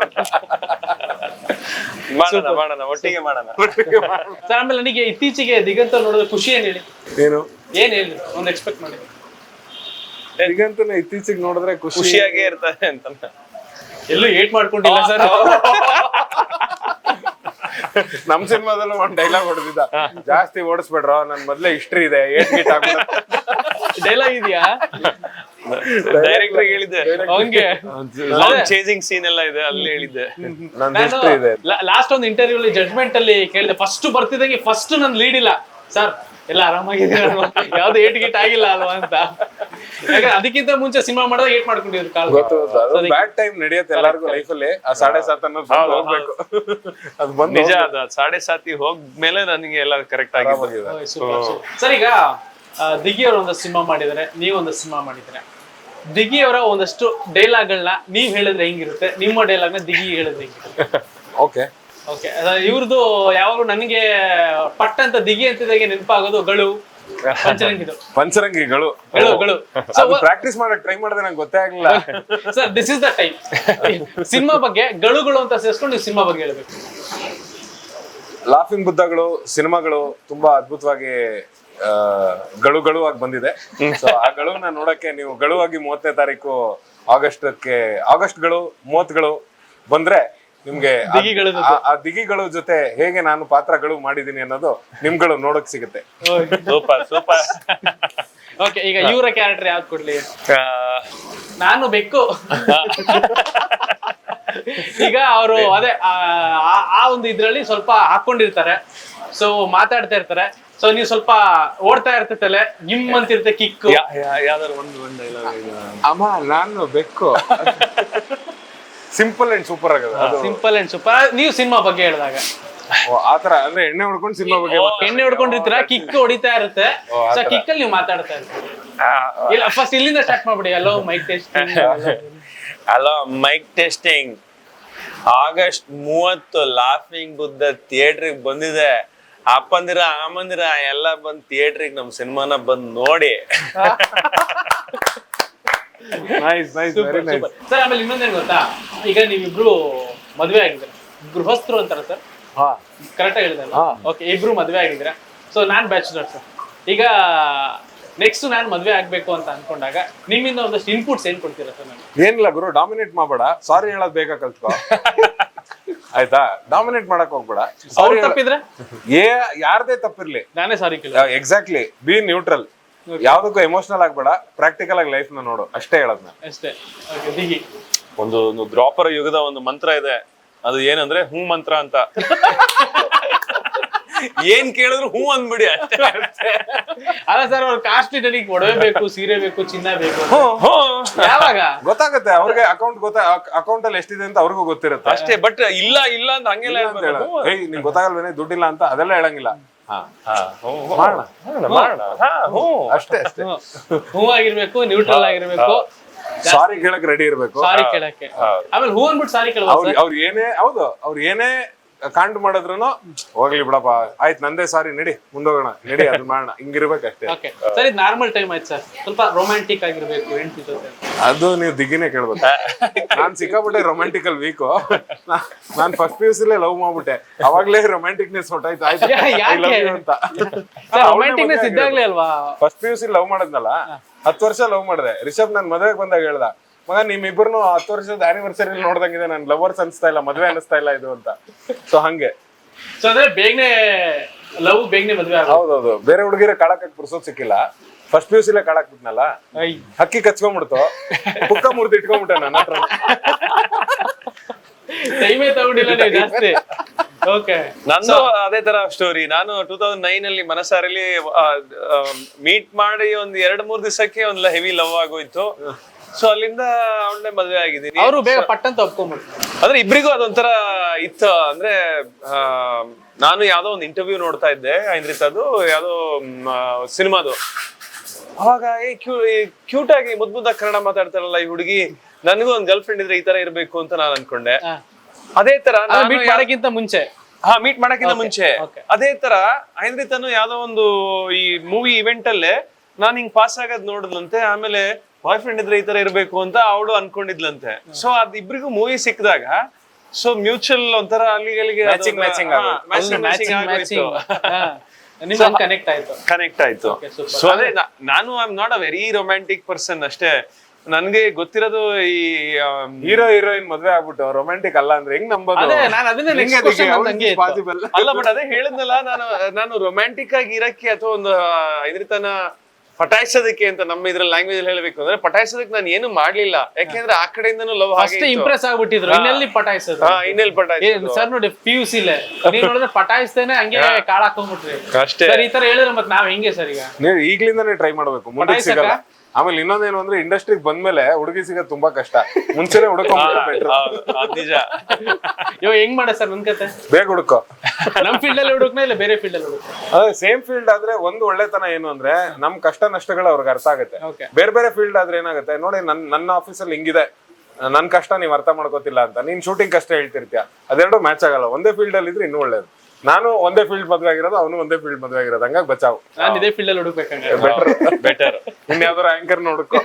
S2: ಮಾಡೋಣ ಒಟ್ಟಿಗೆ ಮಾಡೋಣ.
S3: ಆಮೇಲೆ ನನಗೆ ಇತ್ತೀಚೆಗೆ ದಿಗಂತ ನೋಡಿದ್ರೆ ಖುಷಿ ಏನ್ ಹೇಳಿ, ಏನ್ ಹೇಳಿ ಒಂದು ಎಕ್ಸ್ಪೆಕ್ಟ್ ಮಾಡಿ.
S1: ದಿಗಂತನ ಇತ್ತೀಚೆಗೆ ನೋಡಿದ್ರೆ
S2: ಖುಷಿಯಾಗೇ ಇರ್ತಾರೆ ಅಂತ.
S3: ಎಲ್ಲೂ ಏಟ್ ಮಾಡ್ಕೊಂಡಿಲ್ಲ ಸರ್.
S1: ನಮ್ ಸಿನಿಮಾದಲ್ಲೂ ಒಂದ್ ಡೈಲಾಗ್ ಹೊಡೆದಿದ್ದ, ಜಾಸ್ತಿ ಓಡಿಸ್ಬೇಡ್ರ ನನ್ ಮೊದ್ಲೇ ಹಿಸ್ಟ್ರಿ ಇದೆ, ಏಟ್ ಗೀಟ್ ಆಗ್ಬಿಡುತ್ತೆ.
S3: ಡೈಲಾಗ್ ಇದೆಯಾ?
S2: ಡೈರೆಕ್ಟರ್ ಹೇಳಿದ್ದೆ
S3: ಹಂಗೆ
S2: ಚೇಸಿಂಗ್ ಸೀನ್ ಎಲ್ಲ ಇದೆ, ಅಲ್ಲಿ ಹೇಳಿದ್ದೆ
S1: ನನ್ ಹಿಸ್ಟ್ರಿ ಇದೆ.
S3: ಲಾಸ್ಟ್ ಒಂದು ಇಂಟರ್ವ್ಯೂ ಅಲ್ಲಿ ಜಡ್ಜ್ಮೆಂಟ್ ಅಲ್ಲಿ ಕೇಳಿದೆ, ಫಸ್ಟ್ ಬರ್ತಿದಂಗೆ ಫಸ್ಟ್ ನನ್ ಲೀಡ್ ಇಲ್ಲ ಸರ್, ಎಲ್ಲ ಆರಾಮಾಗಿದೆ, ಯಾವ್ದು ಏಟ್ ಗೀಟ್ ಆಗಿಲ್ಲ ಅಲ್ವಾ ಅಂತ. ಯಾಕಂದ್ರೆ ಅದಕ್ಕಿಂತ ಮುಂಚೆ ಸಿನಿಮಾ ಮಾಡಿದಾಗ ಏಟ್ ಮಾಡ್ಕೊಂಡಿದ್ರು ಕಾಲ.
S1: ಬ್ಯಾಡ್ ಟೈಮ್ ನಡೆಯುತ್ತೆ ಎಲ್ಲರಿಗೂ ಲೈಫ್ ಅಲ್ಲಿ. ಆ 7.7 ಅನ್ನೋದು ಹೋಗ್ಬೇಕು. ಅದು ಬಂದು
S2: ನಿಜ, ಅದು 7.7 ಹೋಗ್ಮೇಲೆ ನನಗೆ ಎಲ್ಲ ಕರೆಕ್ಟ್ ಆಗಿದೆ.
S3: ಸರ್ ಈಗ ದಿಗಿ ಅವರು ಒಂದಷ್ಟು ಸಿನಿಮಾ ಮಾಡಿದಾರೆ, ನೀವೊಂದು ಸಿನಿಮಾ ಮಾಡಿದ್ರೆ, ದಿಗಿ ಅವರ ಒಂದಷ್ಟು ಡೈಲಾಗ್ಗಳನ್ನ ನೀವ್ ಹೇಳಿದ್ರೆ ಹೆಂಗಿರುತ್ತೆ, ನಿಮ್ಮ ಡೈಲಾಗ್ನ ದಿಗಿ ಹೇಳಿದ್ರೆ ಹೆಂಗಿರುತ್ತೆ?
S1: Okay
S3: okay. ಇವ್ರದ್ದು ಯಾವಾಗಲೂ ನನಗೆ ಪಟ್ ಅಂತ ದಿಗಿ ಅಂತಿದ್ದಾಗೆ ನೆನಪಾಗೋದು ಗಳು,
S1: ಪಂಚರಂಗಿಗಳು. ಪ್ರಾಕ್ಟೀಸ್ ಮಾಡಕ್ ಟ್ರೈ ಮಾಡಿದ್ರೆ ನಂಗೆ ಗೊತ್ತೇ ಆಗ್ಲಿಲ್ಲ
S3: sir. This is the time. Cinema ಬಗ್ಗೆ ಗಳು ಅಂತ ಸೇರಿಸ್ಕೊಂಡು ನೀವು ಸಿನಿಮಾ ಬಗ್ಗೆ ಹೇಳ್ಬೇಕು.
S1: ಲಾಫಿಂಗ್ ಬುದ್ಧಗಳು ಸಿನಿಮಾಗಳು ತುಂಬಾ ಅದ್ಭುತವಾಗಿ ಗಳು ಆಗಿ ಬಂದಿದೆ. ಸೊ ಆ ಗಳನ್ನ ನೋಡಕ್ಕೆ ನೀವು ಗಳುವಾಗಿ 30ನೇ ತಾರೀಕು ಆಗಸ್ಟ್ 30 ಬಂದ್ರೆ ನಿಮ್ಗೆ ಆ ದಿಗಿಗಳು ಜೊತೆ ಹೇಗೆ ನಾನು ಪಾತ್ರಗಳು ಮಾಡಿದೀನಿ ಅನ್ನೋದು ನಿಮ್ಗಳು ನೋಡಕ್ ಸಿಗುತ್ತೆ.
S2: Super super.
S3: ಓಕೆ, ಈಗ ಇವರ ಕ್ಯಾರೆಕ್ಟರ್ ಯಾವ್ದು ಕೊಡ್ಲಿ? ನಾನು ಬೆಕ್ಕು. ಈಗ ಅವರು ಅದೇ ಆ ಒಂದು ಇದ್ರಲ್ಲಿ ಸ್ವಲ್ಪ ಹಾಕೊಂಡಿರ್ತಾರೆ, ಸೊ ಮಾತಾಡ್ತಾ ಇರ್ತಾರೆ, ಸೊ ನೀವು ಸ್ವಲ್ಪ ಓಡ್ತಾ ಇರ್ತೈತಲ್ಲ, ಗಿಮ್ ಅಂತಿರುತ್ತೆ ಕಿಕ್.
S2: ಯಾವ್ದಾದ್ರು ಒಂದು ಡೈಲಾಗ್.
S1: ಅಮ್ಮ ನಾನು ಬೆಕ್ಕು. ಸಿಂಪಲ್ ಅಂಡ್ ಸೂಪರ್ ಆಗದ.
S3: Simple and super. ನೀವು ಸಿನಿಮಾ ಬಗ್ಗೆ ಹೇಳಿದಾಗ
S1: ಆತರ ಅಂದ್ರೆ ಎಣ್ಣೆ ಹೊಡ್ಕೊಂಡು ಸಿನಿಮಾ ಬಗ್ಗೆ
S3: ಎಣ್ಣೆ ಹೊಡ್ಕೊಂಡಿರ್ತೀರ, ಕಿಕ್ ಹೊಡಿತಾ ಇರುತ್ತೆ, ಸೊ ಕಿಕ್ ಅಲ್ಲಿ ನೀವು ಮಾತಾಡ್ತಾ ಇರ್ತೀರಿ. ಇಲ್ಲ, ಫಸ್ಟ್ ಇಲ್ಲಿಂದ ಸ್ಟಾರ್ಟ್ ಮಾಡ್ಬಿಡಿ. Hello mike testing.
S2: Hello mike testing. August 30 laughing Buddha ಥಿಯೇಟ್ರಿಗೆ ಬಂದಿದೆ. ಅಪ್ಪಂದಿರ ಅಮ್ಮಂದಿರ ಎಲ್ಲ ಬಂದ್ ಥಿಯೇಟ್ರಿಗೆ ನಮ್ ಸಿನಿಮಾನ ಬಂದ್ ನೋಡಿ.
S3: ಸರ್ ಆಮೇಲೆ ಇನ್ನೊಂದೇನು ಗೊತ್ತಾ, ಈಗ ನೀವಿಬ್ರು ಮದ್ವೆ ಆಗಿದ್ರೆ, ಗೃಹಸ್ಥರು ಅಂತಾರ ಸರ್, ಕರೆಕ್ಟ್ ಆಗಿ ಹೇಳಿದೆ? ಓಕೆ, ಇಬ್ರು ಮದ್ವೆ ಆಗಿದ್ರೆ, ಸೊ ನಾನ್ ಬ್ಯಾಚುಲರ್ ಸರ್. ಈಗ ನೆಕ್ಸ್ಟ್ ನಾನು ಮದ್ವೆ ಆಗ್ಬೇಕು ಅಂತ ಅನ್ಕೊಂಡಾಗ ನಿಮ್ಮಿಂದ ಒಂದಷ್ಟು ಇನ್ಪುಟ್ಸ್ ಏನ್ ಕೊಡ್ತೀರಾ ಸರ್? ನಾನು
S1: ಏನಿಲ್ಲ ಗುರು, ಡಾಮಿನೇಟ್ ಮಾಡ್ಬೇಡ, ಸಾರಿ ಹೇಳೋದ್ ಬೇಕಾ ಕಲ್ತ್ಕೋ. ಆಯ್ತಾ? ಡಾಮಿನೇಟ್ ಮಾಡಕ್ ಹೋಗ್ಬೇಡ.
S3: ಅವ್ರು ತಪ್ಪಿದ್ರೆ
S1: ಯಾರದೇ ತಪ್ಪಿರ್ಲಿ
S3: ನಾನೇ ಸಾರಿ ಕೇಳ.
S1: Exactly, be neutral. ಯಾವ್ದಕ್ಕೂ ಎಮೋಷನಲ್ ಆಗ್ಬೇಡ, ಪ್ರಾಕ್ಟಿಕಲ್ ಆಗಿ ಲೈಫ್ ನ ನೋಡು, ಅಷ್ಟೇ ಹೇಳದ್ನ.
S3: ಅಷ್ಟೇ.
S2: ಒಂದು ದ್ವಾಪರ ಯುಗದ ಒಂದು ಮಂತ್ರ ಇದೆ, ಅದು ಏನಂದ್ರೆ ಹೂ ಮಂತ್ರ ಅಂತ. ಏನ್ ಕೇಳಿದ್ರು ಹೂ ಅಂದ್ಬಿಡಿ ಅಷ್ಟೇ.
S3: ಅಲ್ಲ ಸರ್ ಅವ್ರ ಕಾಸ್ಟ್ಲಿ ನನಗೆ ಒಡವೆ ಬೇಕು, ಸೀರೆ ಬೇಕು, ಚಿನ್ನ ಬೇಕು. ಯಾವಾಗ
S1: ಗೊತ್ತಾಗುತ್ತೆ ಅವ್ರಿಗೆ ಅಕೌಂಟ್ ಅಲ್ಲಿ ಎಷ್ಟಿದೆ ಅಂತ ಅವ್ರಿಗೂ ಗೊತ್ತಿರುತ್ತೆ
S2: ಅಷ್ಟೇ. ಬಟ್ ಇಲ್ಲ ಇಲ್ಲ ಅಂತ ಹಂಗೆಲ್ಲ ಹೇಳ್ಬೇಕು.
S1: ಏಯ್ ನಿಂಗೆ ಗೊತ್ತಾಗಲ್ವೇನೆ ದುಡ್ಡಿಲ್ಲ ಅಂತ ಅದೆಲ್ಲ ಹೇಳಂಗಿಲ್ಲ. ಅಷ್ಟೇ ಅಷ್ಟೇ.
S3: ಹೂವಾಗಿರ್ಬೇಕು, ನ್ಯೂಟ್ರಲ್ ಆಗಿರ್ಬೇಕು,
S1: ಸಾರಿ ಕೇಳಕ್ ರೆಡಿ ಇರ್ಬೇಕು.
S3: ಸಾರಿ ಕೇಳಕ್ಕೆ. ಆಮೇಲೆ ಹೂ ಅಂದ್ಬಿಟ್ಟು ಸಾರಿ ಕೇಳಬೇಕು.
S1: ಅವ್ರು ಏನೇ ಕಾಂಡ್ ಮಾಡಿದ್ರು ಹೋಗ್ಲಿ ಬಿಡಪ್ಪ ಆಯ್ತು ನಂದೇ ಸಾರಿ ನಡಿ ಮುಂದೋಗೋಣ ನಡಿ ಅದು ಮಾಡೋಣ ಹಿಂಗಿರ್ಬೇಕಷ್ಟೇ.
S3: ಓಕೆ ಸರ್, ಇದು ನಾರ್ಮಲ್ ಟೈಮ್ ಆಯ್ತು ಸರ್, ಸ್ವಲ್ಪ ರೊಮ್ಯಾಂಟಿಕ್ ಆಗಿರ್ಬೇಕು ಹೆಂಡತಿ ಜೊತೆ.
S1: ಅದು ನೀವು ದಿಗ್ಗಿನೇ ಕೇಳ್ಬೇಕು. ನಾನ್ ಸಿಕ್ಕಾಬಿಟ್ಟೆ ರೊಮ್ಯಾಂಟಿಕಲ್ ವೀಕು. ನಾನ್ ಫಸ್ಟ್ PUC ಲವ್ ಮಾಡ್ಬಿಟ್ಟೆ, ಅವಾಗ್ಲೇ ರೊಮ್ಯಾಂಟಿಕ್ನೆಸ್ ಹೊಟ್ಟಾಯ್ತು. ಆಯ್ತು ಅಂತ
S3: ರೊಮ್ಯಾಂಟಿಕ್ನೆಸ್ ಇದ್ದಾಗ್ಲೇ ಅಲ್ವಾ?
S1: ಫಸ್ಟ್ PUC ಲವ್ ಮಾಡದ್ನಲ್ಲ, 10 ವರ್ಷ ಲವ್ ಮಾಡಿದೆ. ರಿಷಬ್ ನನ್ ಮದ್ವೆಗೆ ಬಂದಾಗ ಹೇಳ್ದ, ಮಗ ನಿಮ್ಮಿಬ್ಬರನ್ನು 10 ವರ್ಷದ ಆನಿವರ್ಸರಿ ನೋಡ್ದಂಗಿದೆ, ನನ್ ಲವರ್ಸ್ ಅನ್ಸ್ತಾ ಇಲ್ಲ, ಮದ್ವೆ ಅನಿಸ್ತಾ ಇಲ್ಲ ಇದು ಅಂತ. ಸೊ ಹಂಗೆ
S3: ಸೊ ಅಂದ್ರೆ ಬೇಗನೆ ಲವ್, ಬೇಗನೆ ಮದ್ವೆ.
S1: ಹೌದೌದು. ಬೇರೆ ಹುಡುಗಿರ ಕಾಳಕ್ ಪುರ್ಸೋದ್ ಸಿಕ್ಕಿಲ್ಲ, ಫಸ್ಟ್ PUC ಕಾಳಕ್ ಬಿಟ್ನಲ್ಲ, ಹಕ್ಕಿ ಕಚ್ಕೊಂಡ್ಬಿಡ್ತು, ಪುಕ್ಕ ಮುರ್ದು ಇಟ್ಕೊಂಡ್ಬಿಟ್ಟೆ ನನ್ನ ಹತ್ರ.
S3: ಟೈಮೇ ತಗೊಂಡಿಲ್ಲ ನೀವು ಜಾಸ್ತಿ. ಓಕೆ,
S2: ನಂದು ಅದೇ ತರ ಸ್ಟೋರಿ. ನಾನು 2009 ಅಲ್ಲಿ ಮನಸಾರಲ್ಲಿ ಮೀಟ್ ಮಾಡಿ ಒಂದ್ 2-3 ದಿವಸಕ್ಕೆ ಒಂದ್ ಹೆವಿ ಲವ್ ಆಗೋಯ್ತು. ಸೊ ಅಲ್ಲಿಂದ ಅವಳನ್ನೇ ಮದ್ವೆ ಆಗಿದ್ದೀನಿ.
S3: ಅವರು ಬೇಗ ಪಟ್ಟಂತ ಒಪ್ಕೊಂಡ್ಬಿಟ್ರು.
S2: ಅಂದ್ರೆ ಇಬ್ರಿಗೂ ಅದೊಂಥರ ಇತ್ತು. ಅಂದ್ರೆ ನಾನು ಯಾವ್ದೋ ಒಂದು ಇಂಟರ್ವ್ಯೂ ನೋಡ್ತಾ ಇದ್ದೆ ಐಂದ್ರಿತದು, ಯಾವ್ದೋ ಸಿನಿಮಾದು. ಅವಾಗ ಕ್ಯೂಟ್ ಆಗಿ ಮುದ್ದಾಗಿ ಕನ್ನಡ ಮಾತಾಡ್ತಾರಲ್ಲ ಈ ಹುಡುಗಿ, ನನಗೂ ಒಂದ್ ಗರ್ಲ್ ಫ್ರೆಂಡ್ ಇದ್ರೆ ಈ ತರ ಇರ್ಬೇಕು ಅಂತ ನಾನು ಅನ್ಕೊಂಡೆ. ಅದೇ ತರ
S3: ಮೀಟ್ ಮಾಡಕ್ಕಿಂತ ಮುಂಚೆ
S2: ಮೀಟ್ ಮಾಡಕ್ಕಿಂತ ಮುಂಚೆ ಅದೇ ತರ ಐಂದ್ರಿತನು ಯಾವ್ದೋ ಒಂದು ಈ ಮೂವಿ ಇವೆಂಟ್ ಅಲ್ಲೇ ನಾನ್ ಹಿಂಗ್ ಪಾಸ್ ಆಗೋದ್ ನೋಡಿದ್ಲಂತೆ. ಆಮೇಲೆ ಬಾಯ್ ಫ್ರೆಂಡ್ ಇದ್ರೆ ಈ ತರ ಇರ್ಬೇಕು ಅಂತ ಅವಳು ಅನ್ಕೊಂಡಿದ್ಲಂತೆ. ಸೊ ಅದ್ ಇಬ್ರಿಗೂ ಮೂವಿ ಸಿಕ್ಕಿದಾಗ ಸೊ ಮ್ಯೂಚುವಲ್ ಒಂಥರ ಅಲ್ಲಿಗೆ ಕನೆಕ್ಟ್ ಆಯ್ತು. ಸೊ ಅದೇ ನಾನು I am not a very romantic person ಅಷ್ಟೇ. ನನ್ಗೆ ಗೊತ್ತಿರೋದು ಈ
S1: ಹೀರೋ ಹೀರೋಯಿನ್ ಮದ್ವೆ ಆಗ್ಬಿಟ್ಟು ರೊಮ್ಯಾಂಟಿಕ್ ಅಲ್ಲ ಅಂದ್ರೆ ಹೆಂಗ್ ನಂಬೋದು?
S2: ಅಲ್ಲ ಬಟ್ ಅದೇ ಹೇಳಿದ್ನಲ್ಲ, ನಾನು ರೊಮ್ಯಾಂಟಿಕ್ ಆಗಿ ಇರಕ್ಕೆ ಅಥವಾ ಒಂದು ಐದ್ರಿತನ ಪಟಾಯಿಸೋದಕ್ಕೆ ಅಂತ ನಮ್ಮ ಇದ್ರಲ್ಲಿ ಲ್ಯಾಂಗ್ವೇಜ್ ಅಲ್ಲಿ ಹೇಳ್ಬೇಕು ಅಂದ್ರೆ ಪಟಾಯಿಸೋದಕ್ಕೆ ನಾನು ಏನು ಮಾಡ್ಲಿಲ್ಲ. ಯಾಕೆಂದ್ರೆ ಆ ಕಡೆಯಿಂದನೂ ಲವ್
S3: ಅಷ್ಟೇ ಇಂಪ್ರೆಸ್ ಆಗ್ಬಿಟ್ಟಿದ್ರು. ಇನ್ನೆಲ್ಲಿ ಪಟಾಯಿಸೋದು?
S2: ಇನ್ನೆಲ್ಲಿ ಪಟಾಯಿಸೋದು
S3: ಸರ್ ನೋಡಿ, PUC ನೀವ್ ನೋಡಿದ್ರೆ ಪಟಾಯಿಸ್ತೇನೆ ಹಂಗೆ ಕಾಳ ಹಾಕೊಂಡ್ಬಿಟ್ರಿ
S2: ಅಷ್ಟೇ.
S3: ಸರ್ ಈ ತರ ಹೇಳಿದ್ರೆ ಮತ್ತೆ ನಾವ್ ಹೆಂಗೆ ಸರ್? ಈಗ
S1: ನೀವು ಈಗ್ಲಿಂದಾನೇ ಟ್ರೈ ಮಾಡ್ಬೇಕು, ಮುಂದೆ ಸಿಗಲ್ಲ. ಆಮೇಲೆ ಇನ್ನೊಂದೇನು ಅಂದ್ರೆ ಇಂಡಸ್ಟ್ರಿಗೆ ಬಂದ್ಮೇಲೆ ಹುಡುಗಿ ಸಿಗೋದು ತುಂಬಾ ಕಷ್ಟ. ಮುಂಚೆನೆ ಹುಡುಕೊಂಡ್ಬಿಟ್ರೆ
S2: ನಿಜ.
S3: ಇವಾಗ ಹೆಂಗ್ ಮಾಡ ಸರ್ ನನ್ ಕತೆ?
S1: ಬೇಗ ಹುಡುಕೋ.
S3: ನಮ್ ಫೀಲ್ಡ್ ಅಲ್ಲಿ ಹುಡುಕ್ನ ಇಲ್ಲ ಬೇರೆ ಫೀಲ್ಡ್ ಅಲ್ಲಿ ಹುಡುಕ?
S1: ಅದೇ ಸೇಮ್ ಫೀಲ್ಡ್ ಆದ್ರೆ ಒಂದು ಒಳ್ಳೆತನ ಏನು ಅಂದ್ರೆ ನಮ್ ಕಷ್ಟ ನಷ್ಟಗಳು ಅವ್ರಿಗೆ ಅರ್ಥ ಆಗುತ್ತೆ. ಬೇರೆ ಬೇರೆ ಫೀಲ್ಡ್ ಆದ್ರೆ ಏನಾಗುತ್ತೆ ನೋಡಿ, ನನ್ನ ಆಫೀಸಲ್ಲಿ ಹಿಂಗಿದೆ, ನನ್ ಕಷ್ಟ ನೀವ್ ಅರ್ಥ ಮಾಡ್ಕೋತಿಲ್ಲ ಅಂತ ನೀನ್ ಶೂಟಿಂಗ್ ಕಷ್ಟ ಹೇಳ್ತಿರ್ತೀಯ, ಅದೆರಡು ಮ್ಯಾಚ್ ಆಗಲ್ಲ. ಒಂದೇ ಫೀಲ್ಡ್ ಅಲ್ಲಿ ಇದ್ರೆ ಇನ್ನೂ ಒಳ್ಳೇದು. ನಾನು ಒಂದೇ ಫೀಲ್ಡ್ ಮದ್ವೆ ಆಗಿರೋದು, ಅವನು ಒಂದೇ ಫೀಲ್ಡ್ ಮದ್ವೆ ಆಗಿರೋದು, ಹಂಗಾಗಿ ಬಚಾವ್.
S3: ನಾನು ಇದೇ ಫೀಲ್ಡ್ ಅಲ್ಲಿ ಹುಡುಕ್ಬೇಕಂದ್ರೆ
S2: ಬೆಟರ್.
S1: ಇನ್ಯಾವ್ದಾರು ಆಂಕರ್ ನೋಡ್ಕೋ.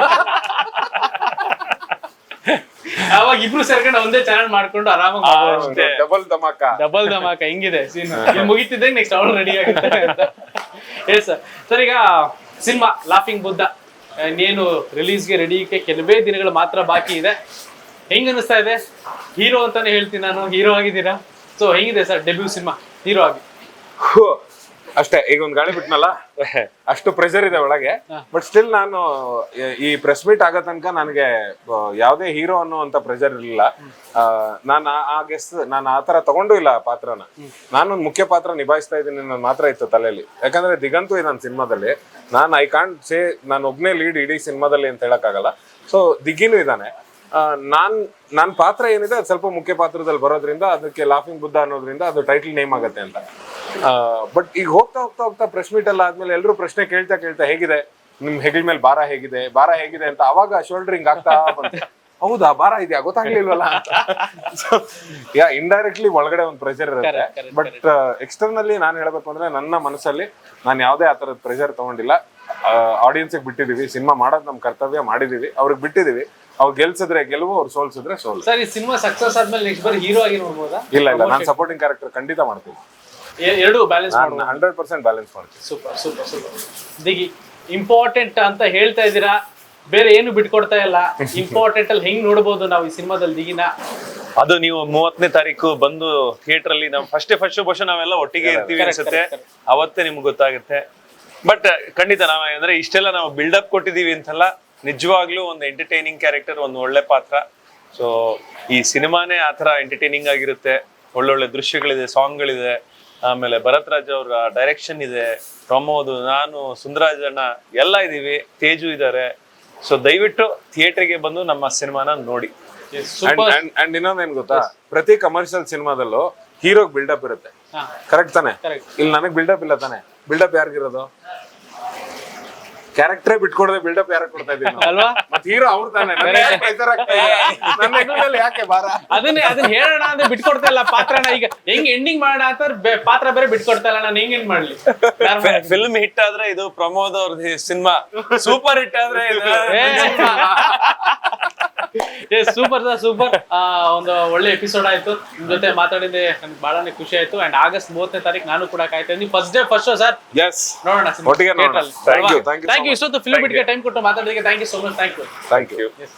S3: ಅವಾಗ ಇಬ್ರು ಸೇರ್ಕೊಂಡು ಒಂದೇ ಚಾನಲ್ ಮಾಡ್ಕೊಂಡು ಆರಾಮಾಗಿ ಡಬಲ್ ಧಮಾಕ ಹೆಂಗಿದೆ ಸೀನ್ ಮುಗಿತಿದ್ದಂಗೆ ನೆಕ್ಸ್ಟ್ ಅವಳು ರೆಡಿ ಆಗಿರ್ತಾರೆ ಅಂತ ಹೇಳಿ ಸರ್. ಸರ್ ಈಗ ಸಿನಿಮಾ ಲಾಫಿಂಗ್ ಬುದ್ಧ ಇನ್ನೇನು ರಿಲೀಸ್ಗೆ ರೆಡಿಗೆ ಕೆಲವೇ ದಿನಗಳು ಮಾತ್ರ ಬಾಕಿ ಇದೆ. ಹೆಂಗ್ ಅನಿಸ್ತಾ ಇದೆ? ಹೀರೋ ಅಂತಾನೆ ಹೇಳ್ತೀನಿ ನಾನು, ಹೀರೋ ಆಗಿದ್ದೀರಾ. ಸೊ ಹೆಂಗಿದೆ ಸರ್ ಡೆಬ್ಯೂ ಸಿನಿಮಾ ಹೀರೋ ಆಗಿ?
S1: ಅಷ್ಟೇ, ಈಗ ಒಂದ್ ಗಾಳಿ ಬಿಟ್ನಲ್ಲ, ಅಷ್ಟು ಪ್ರೆಷರ್ ಇದೆ ಒಳಗೆ. ಬಟ್ ಸ್ಟಿಲ್ ನಾನು ಈ ಪ್ರೆಸ್ ಮೀಟ್ ಆಗೋ ತನಕ ನನಗೆ ಯಾವ್ದೇ ಹೀರೋ ಅನ್ನುವಂತ ಪ್ರೆಷರ್ ಇರಲಿಲ್ಲ. ನಾನು ಆ ತರ ತಗೊಂಡು ಇಲ್ಲ ಪಾತ್ರನ. ನಾನೊಂದು ಮುಖ್ಯ ಪಾತ್ರ ನಿಭಾಯಿಸ್ತಾ ಇದ್ದೀನಿ ಅನ್ನೋದು ಮಾತ್ರ ಇತ್ತು ತಲೆಯಲ್ಲಿ. ಯಾಕಂದ್ರೆ ದಿಗಂತೂ ಇದೆ ನನ್ನ ಸಿನಿಮಾದಲ್ಲಿ. ಐ ಕಾಂಟ್ ಸೇ ನಾನು ಒಬ್ನೇ ಲೀಡ್ ಇಡೀ ಸಿನಿಮಾದಲ್ಲಿ ಅಂತ ಹೇಳಕ್ಕಾಗಲ್ಲ. ಸೊ ದಿಗ್ಗಿನೂ ಇದ್ದಾನೆ. ನಾನ್ ಪಾತ್ರ ಏನಿದೆ ಅದು ಸ್ವಲ್ಪ ಮುಖ್ಯ ಪಾತ್ರದಲ್ಲಿ ಬರೋದ್ರಿಂದ ಅದಕ್ಕೆ ಲಾಫಿಂಗ್ ಬುದ್ಧ ಅನ್ನೋದ್ರಿಂದ ಅದು ಟೈಟಲ್ ನೇಮ್ ಆಗತ್ತೆ ಅಂತ. ಬಟ್ ಈಗ ಹೋಗ್ತಾ ಹೋಗ್ತಾ ಹೋಗ್ತಾ ಪ್ರೆಸ್ ಮೀಟ್ ಎಲ್ಲ ಆದ್ಮೇಲೆ ಎಲ್ಲರೂ ಪ್ರಶ್ನೆ ಕೇಳ್ತಾ ಹೇಗಿದೆ ನಿಮ್ ಹೆಗಲ್ ಮೇಲೆ ಭಾರ ಹೇಗಿದೆ ಅಂತ ಅವಾಗ ಶೋಲ್ಡರಿಂಗ್ ಆಗ್ತಾ ಬಂತು. ಹೌದಾ, ಭಾರ ಇದೆಯಾ, ಗೊತ್ತಾಗ್ಲಿಲ್ವಲ್ಲ ಅಂತ. ಇಂಡೈರೆಕ್ಟ್ಲಿ ಒಳಗಡೆ ಒಂದು ಪ್ರೆಷರ್ ಇರುತ್ತೆ. ಬಟ್ ಎಕ್ಸ್ಟರ್ನಲ್ಲಿ ನಾನು ಹೇಳ್ಬೇಕು ಅಂದ್ರೆ ನನ್ನ ಮನಸ್ಸಲ್ಲಿ ನಾನು ಯಾವ್ದೇ ಆ ತರದ ಪ್ರೆಷರ್ ತಗೊಂಡಿಲ್ಲ. ಆಡಿಯನ್ಸ್ಗೆ ಬಿಟ್ಟಿದೀವಿ, ಸಿನಿಮಾ ಮಾಡೋದು ನಮ್ ಕರ್ತವ್ಯ ಮಾಡಿದೀವಿ, ಅವ್ರಿಗೆ ಬಿಟ್ಟಿದೀವಿ. ಅವ್ರು ಗೆಲ್ಸಿದ್ರೆ ಗೆಲುವು, ಅವ್ರು ಸೋಲ್ಸಿದ್ರೆ ಸೋಲು.
S3: ಸರ್ ಈ ಸಿನಿಮಾ ಸಕ್ಸಸ್ ಆದ್ಮೇಲೆ ನೆಕ್ಸ್ಟ್ ಬಾರಿ ಹೀರೋ ಆಗಿ ನೋಡ್ಬೋದಾ?
S1: ಇಲ್ಲ ನಾನು ಸಪೋರ್ಟಿಂಗ್ ಕ್ಯಾರೆಕ್ಟರ್ ಖಂಡಿತ ಮಾಡ್ತೀನಿ.
S3: ಎರಡು ಬ್ಯಾಲೆನ್ಸ್
S1: 100% ಬ್ಯಾಲೆನ್ಸ್ ಮಾಡ್ತೀನಿ.
S3: Super super super. Digi important ಅಂತ ಹೇಳ್ತಾ ಇದ್ದೀರಾ, ಬೇರೆ ಏನು ಬಿಟ್ಕೊಡ್ತಾ ಇಲ್ಲ. ಇಂಪಾರ್ಟೆಂಟ್ ಅಲ್ಲಿ ಹೆಂಗ್ ನೋಡ್ಬೋದು ನಾವು ಈ ಸಿನಿಮಾದಲ್ಲಿ ದಿಗಿನ?
S2: ಅದು ನೀವು 30ನೇ ತಾರೀಕು ಬಂದು ಥಿಯೇಟರ್ ಅಲ್ಲಿ ನಾವು ಫಸ್ಟ್ ಬಹುಶಃ ನಾವೆಲ್ಲ ಒಟ್ಟಿಗೆ ಇರ್ತೀವಿ ಅನ್ಸುತ್ತೆ, ಅವತ್ತೇ ನಿಮ್ಗೆ ಗೊತ್ತಾಗುತ್ತೆ. ಬಟ್ ಖಂಡಿತ ನಾವ್ ಅಂದ್ರೆ ಇಷ್ಟೆಲ್ಲ ನಾವು ಬಿಲ್ಡಪ್ ಕೊಟ್ಟಿದೀವಿ ಅಂತಲ್ಲ, ನಿಜವಾಗ್ಲೂ ಒಂದು ಎಂಟರ್ಟೈನಿಂಗ್ ಕ್ಯಾರೆಕ್ಟರ್, ಒಂದು ಒಳ್ಳೆ ಪಾತ್ರ. ಸೊ ಈ ಸಿನಿಮಾನೇ ಆತರ ಎಂಟರ್ಟೈನಿಂಗ್ ಆಗಿರುತ್ತೆ. ಒಳ್ಳೊಳ್ಳೆ ದೃಶ್ಯಗಳಿದೆ, ಸಾಂಗ್ಗಳಿದೆ, ಆಮೇಲೆ ಭರತ್ ರಾಜ್ ಅವ್ರ ಡೈರೆಕ್ಷನ್ ಇದೆ, ಪ್ರಮೋದ್, ನಾನು, ಸುಂದರಾಜ್ ಅಣ್ಣ ಎಲ್ಲ ಇದೀವಿ, ತೇಜು ಇದ್ದಾರೆ. ಸೊ ದಯವಿಟ್ಟು ಥಿಯೇಟರ್ಗೆ ಬಂದು ನಮ್ಮ ಸಿನಿಮಾನ ನೋಡಿ.
S1: ಅಂಡ್ ಇನ್ನೊಂದೇನ್ ಗೊತ್ತಾ, ಪ್ರತಿ ಕಮರ್ಷಿಯಲ್ ಸಿನಿಮಾದಲ್ಲೂ ಹೀರೋಗ್ ಬಿಲ್ಡಪ್ ಇರುತ್ತೆ, ಕರೆಕ್ಟ್ ತಾನೆ? ಇಲ್ಲಿ ನನಗ್ ಬಿಲ್ಡಪ್ ಇಲ್ಲ ತಾನೆ. ಬಿಲ್ಡಪ್ ಯಾರಿಗಿರೋದು? ಕ್ಯಾರೆಕ್ಟರೇ ಬಿಟ್ಕೊಡದೆ ಬಿಲ್ಡಪ್ ಯಾರು ಕೊಡ್ತಾ ಇದ್ದೀನಿ
S3: ಅಲ್ವಾ?
S1: ಮತ್ತೆ ಹೀರೋ ಅವ್ರು ತಾನೆ. ನನ್ನ ಹೆಗಲಲ್ಲಿ ಯಾಕೆ ಭಾರ?
S3: ಅದನ್ನ ಹೇಳೋಣ ಅಂದ್ರೆ ಬಿಟ್ಕೊಡ್ತಾ ಇಲ್ಲ ಪಾತ್ರನ. ಈಗ ಹೆಂಗ್ ಎಂಡಿಂಗ್ ಮಾಡೋಣ ಅಂತ ಪಾತ್ರ ಬೇರೆ ಬಿಟ್ಕೊಡ್ತಾ ಇಲ್ಲ, ನಾನು ಹೆಂಗ್ ಮಾಡ್ಲಿ?
S2: ಫಿಲ್ಮ್ ಹಿಟ್ ಆದ್ರೆ ಇದು ಪ್ರಮೋದ್ ಅವ್ರದ್ದು ಸಿನಿಮಾ, ಸೂಪರ್ ಹಿಟ್ ಆದ್ರೆ
S3: ಸೂಪರ್ ಸೂಪರ್. ಒಂದು ಒಳ್ಳೆ ಎಪಿಸೋಡ್ ಆಯ್ತು, ನಿಮ್ ಜೊತೆ ಮಾತಾಡಿದ್ರೆ ನನ್ಗೆ ಬಹಳನೇ ಖುಷಿ ಆಯ್ತು. ಅಂಡ್ ಆಗಸ್ಟ್ 30ನೇ ತಾರೀಕು ನಾನು ಕೂಡ ಕಾಯ್ತಾ ಇದ್ದೀನಿ. ಫಸ್ಟ್ ಶೋ ಸರ್, ನೋಡೋಣ
S1: ಒಟ್ಟಿಗೆ ನೋಡೋಣ. Thank you
S3: thank you. ಇಷ್ಟೊತ್ತು ಫಿಲ್ಮ್ ಬಿಟ್ಗೆ ಟೈಮ್ ಕೊಟ್ಟು ಮಾತಾಡೋದಕ್ಕೆ thank you so much. Thank you.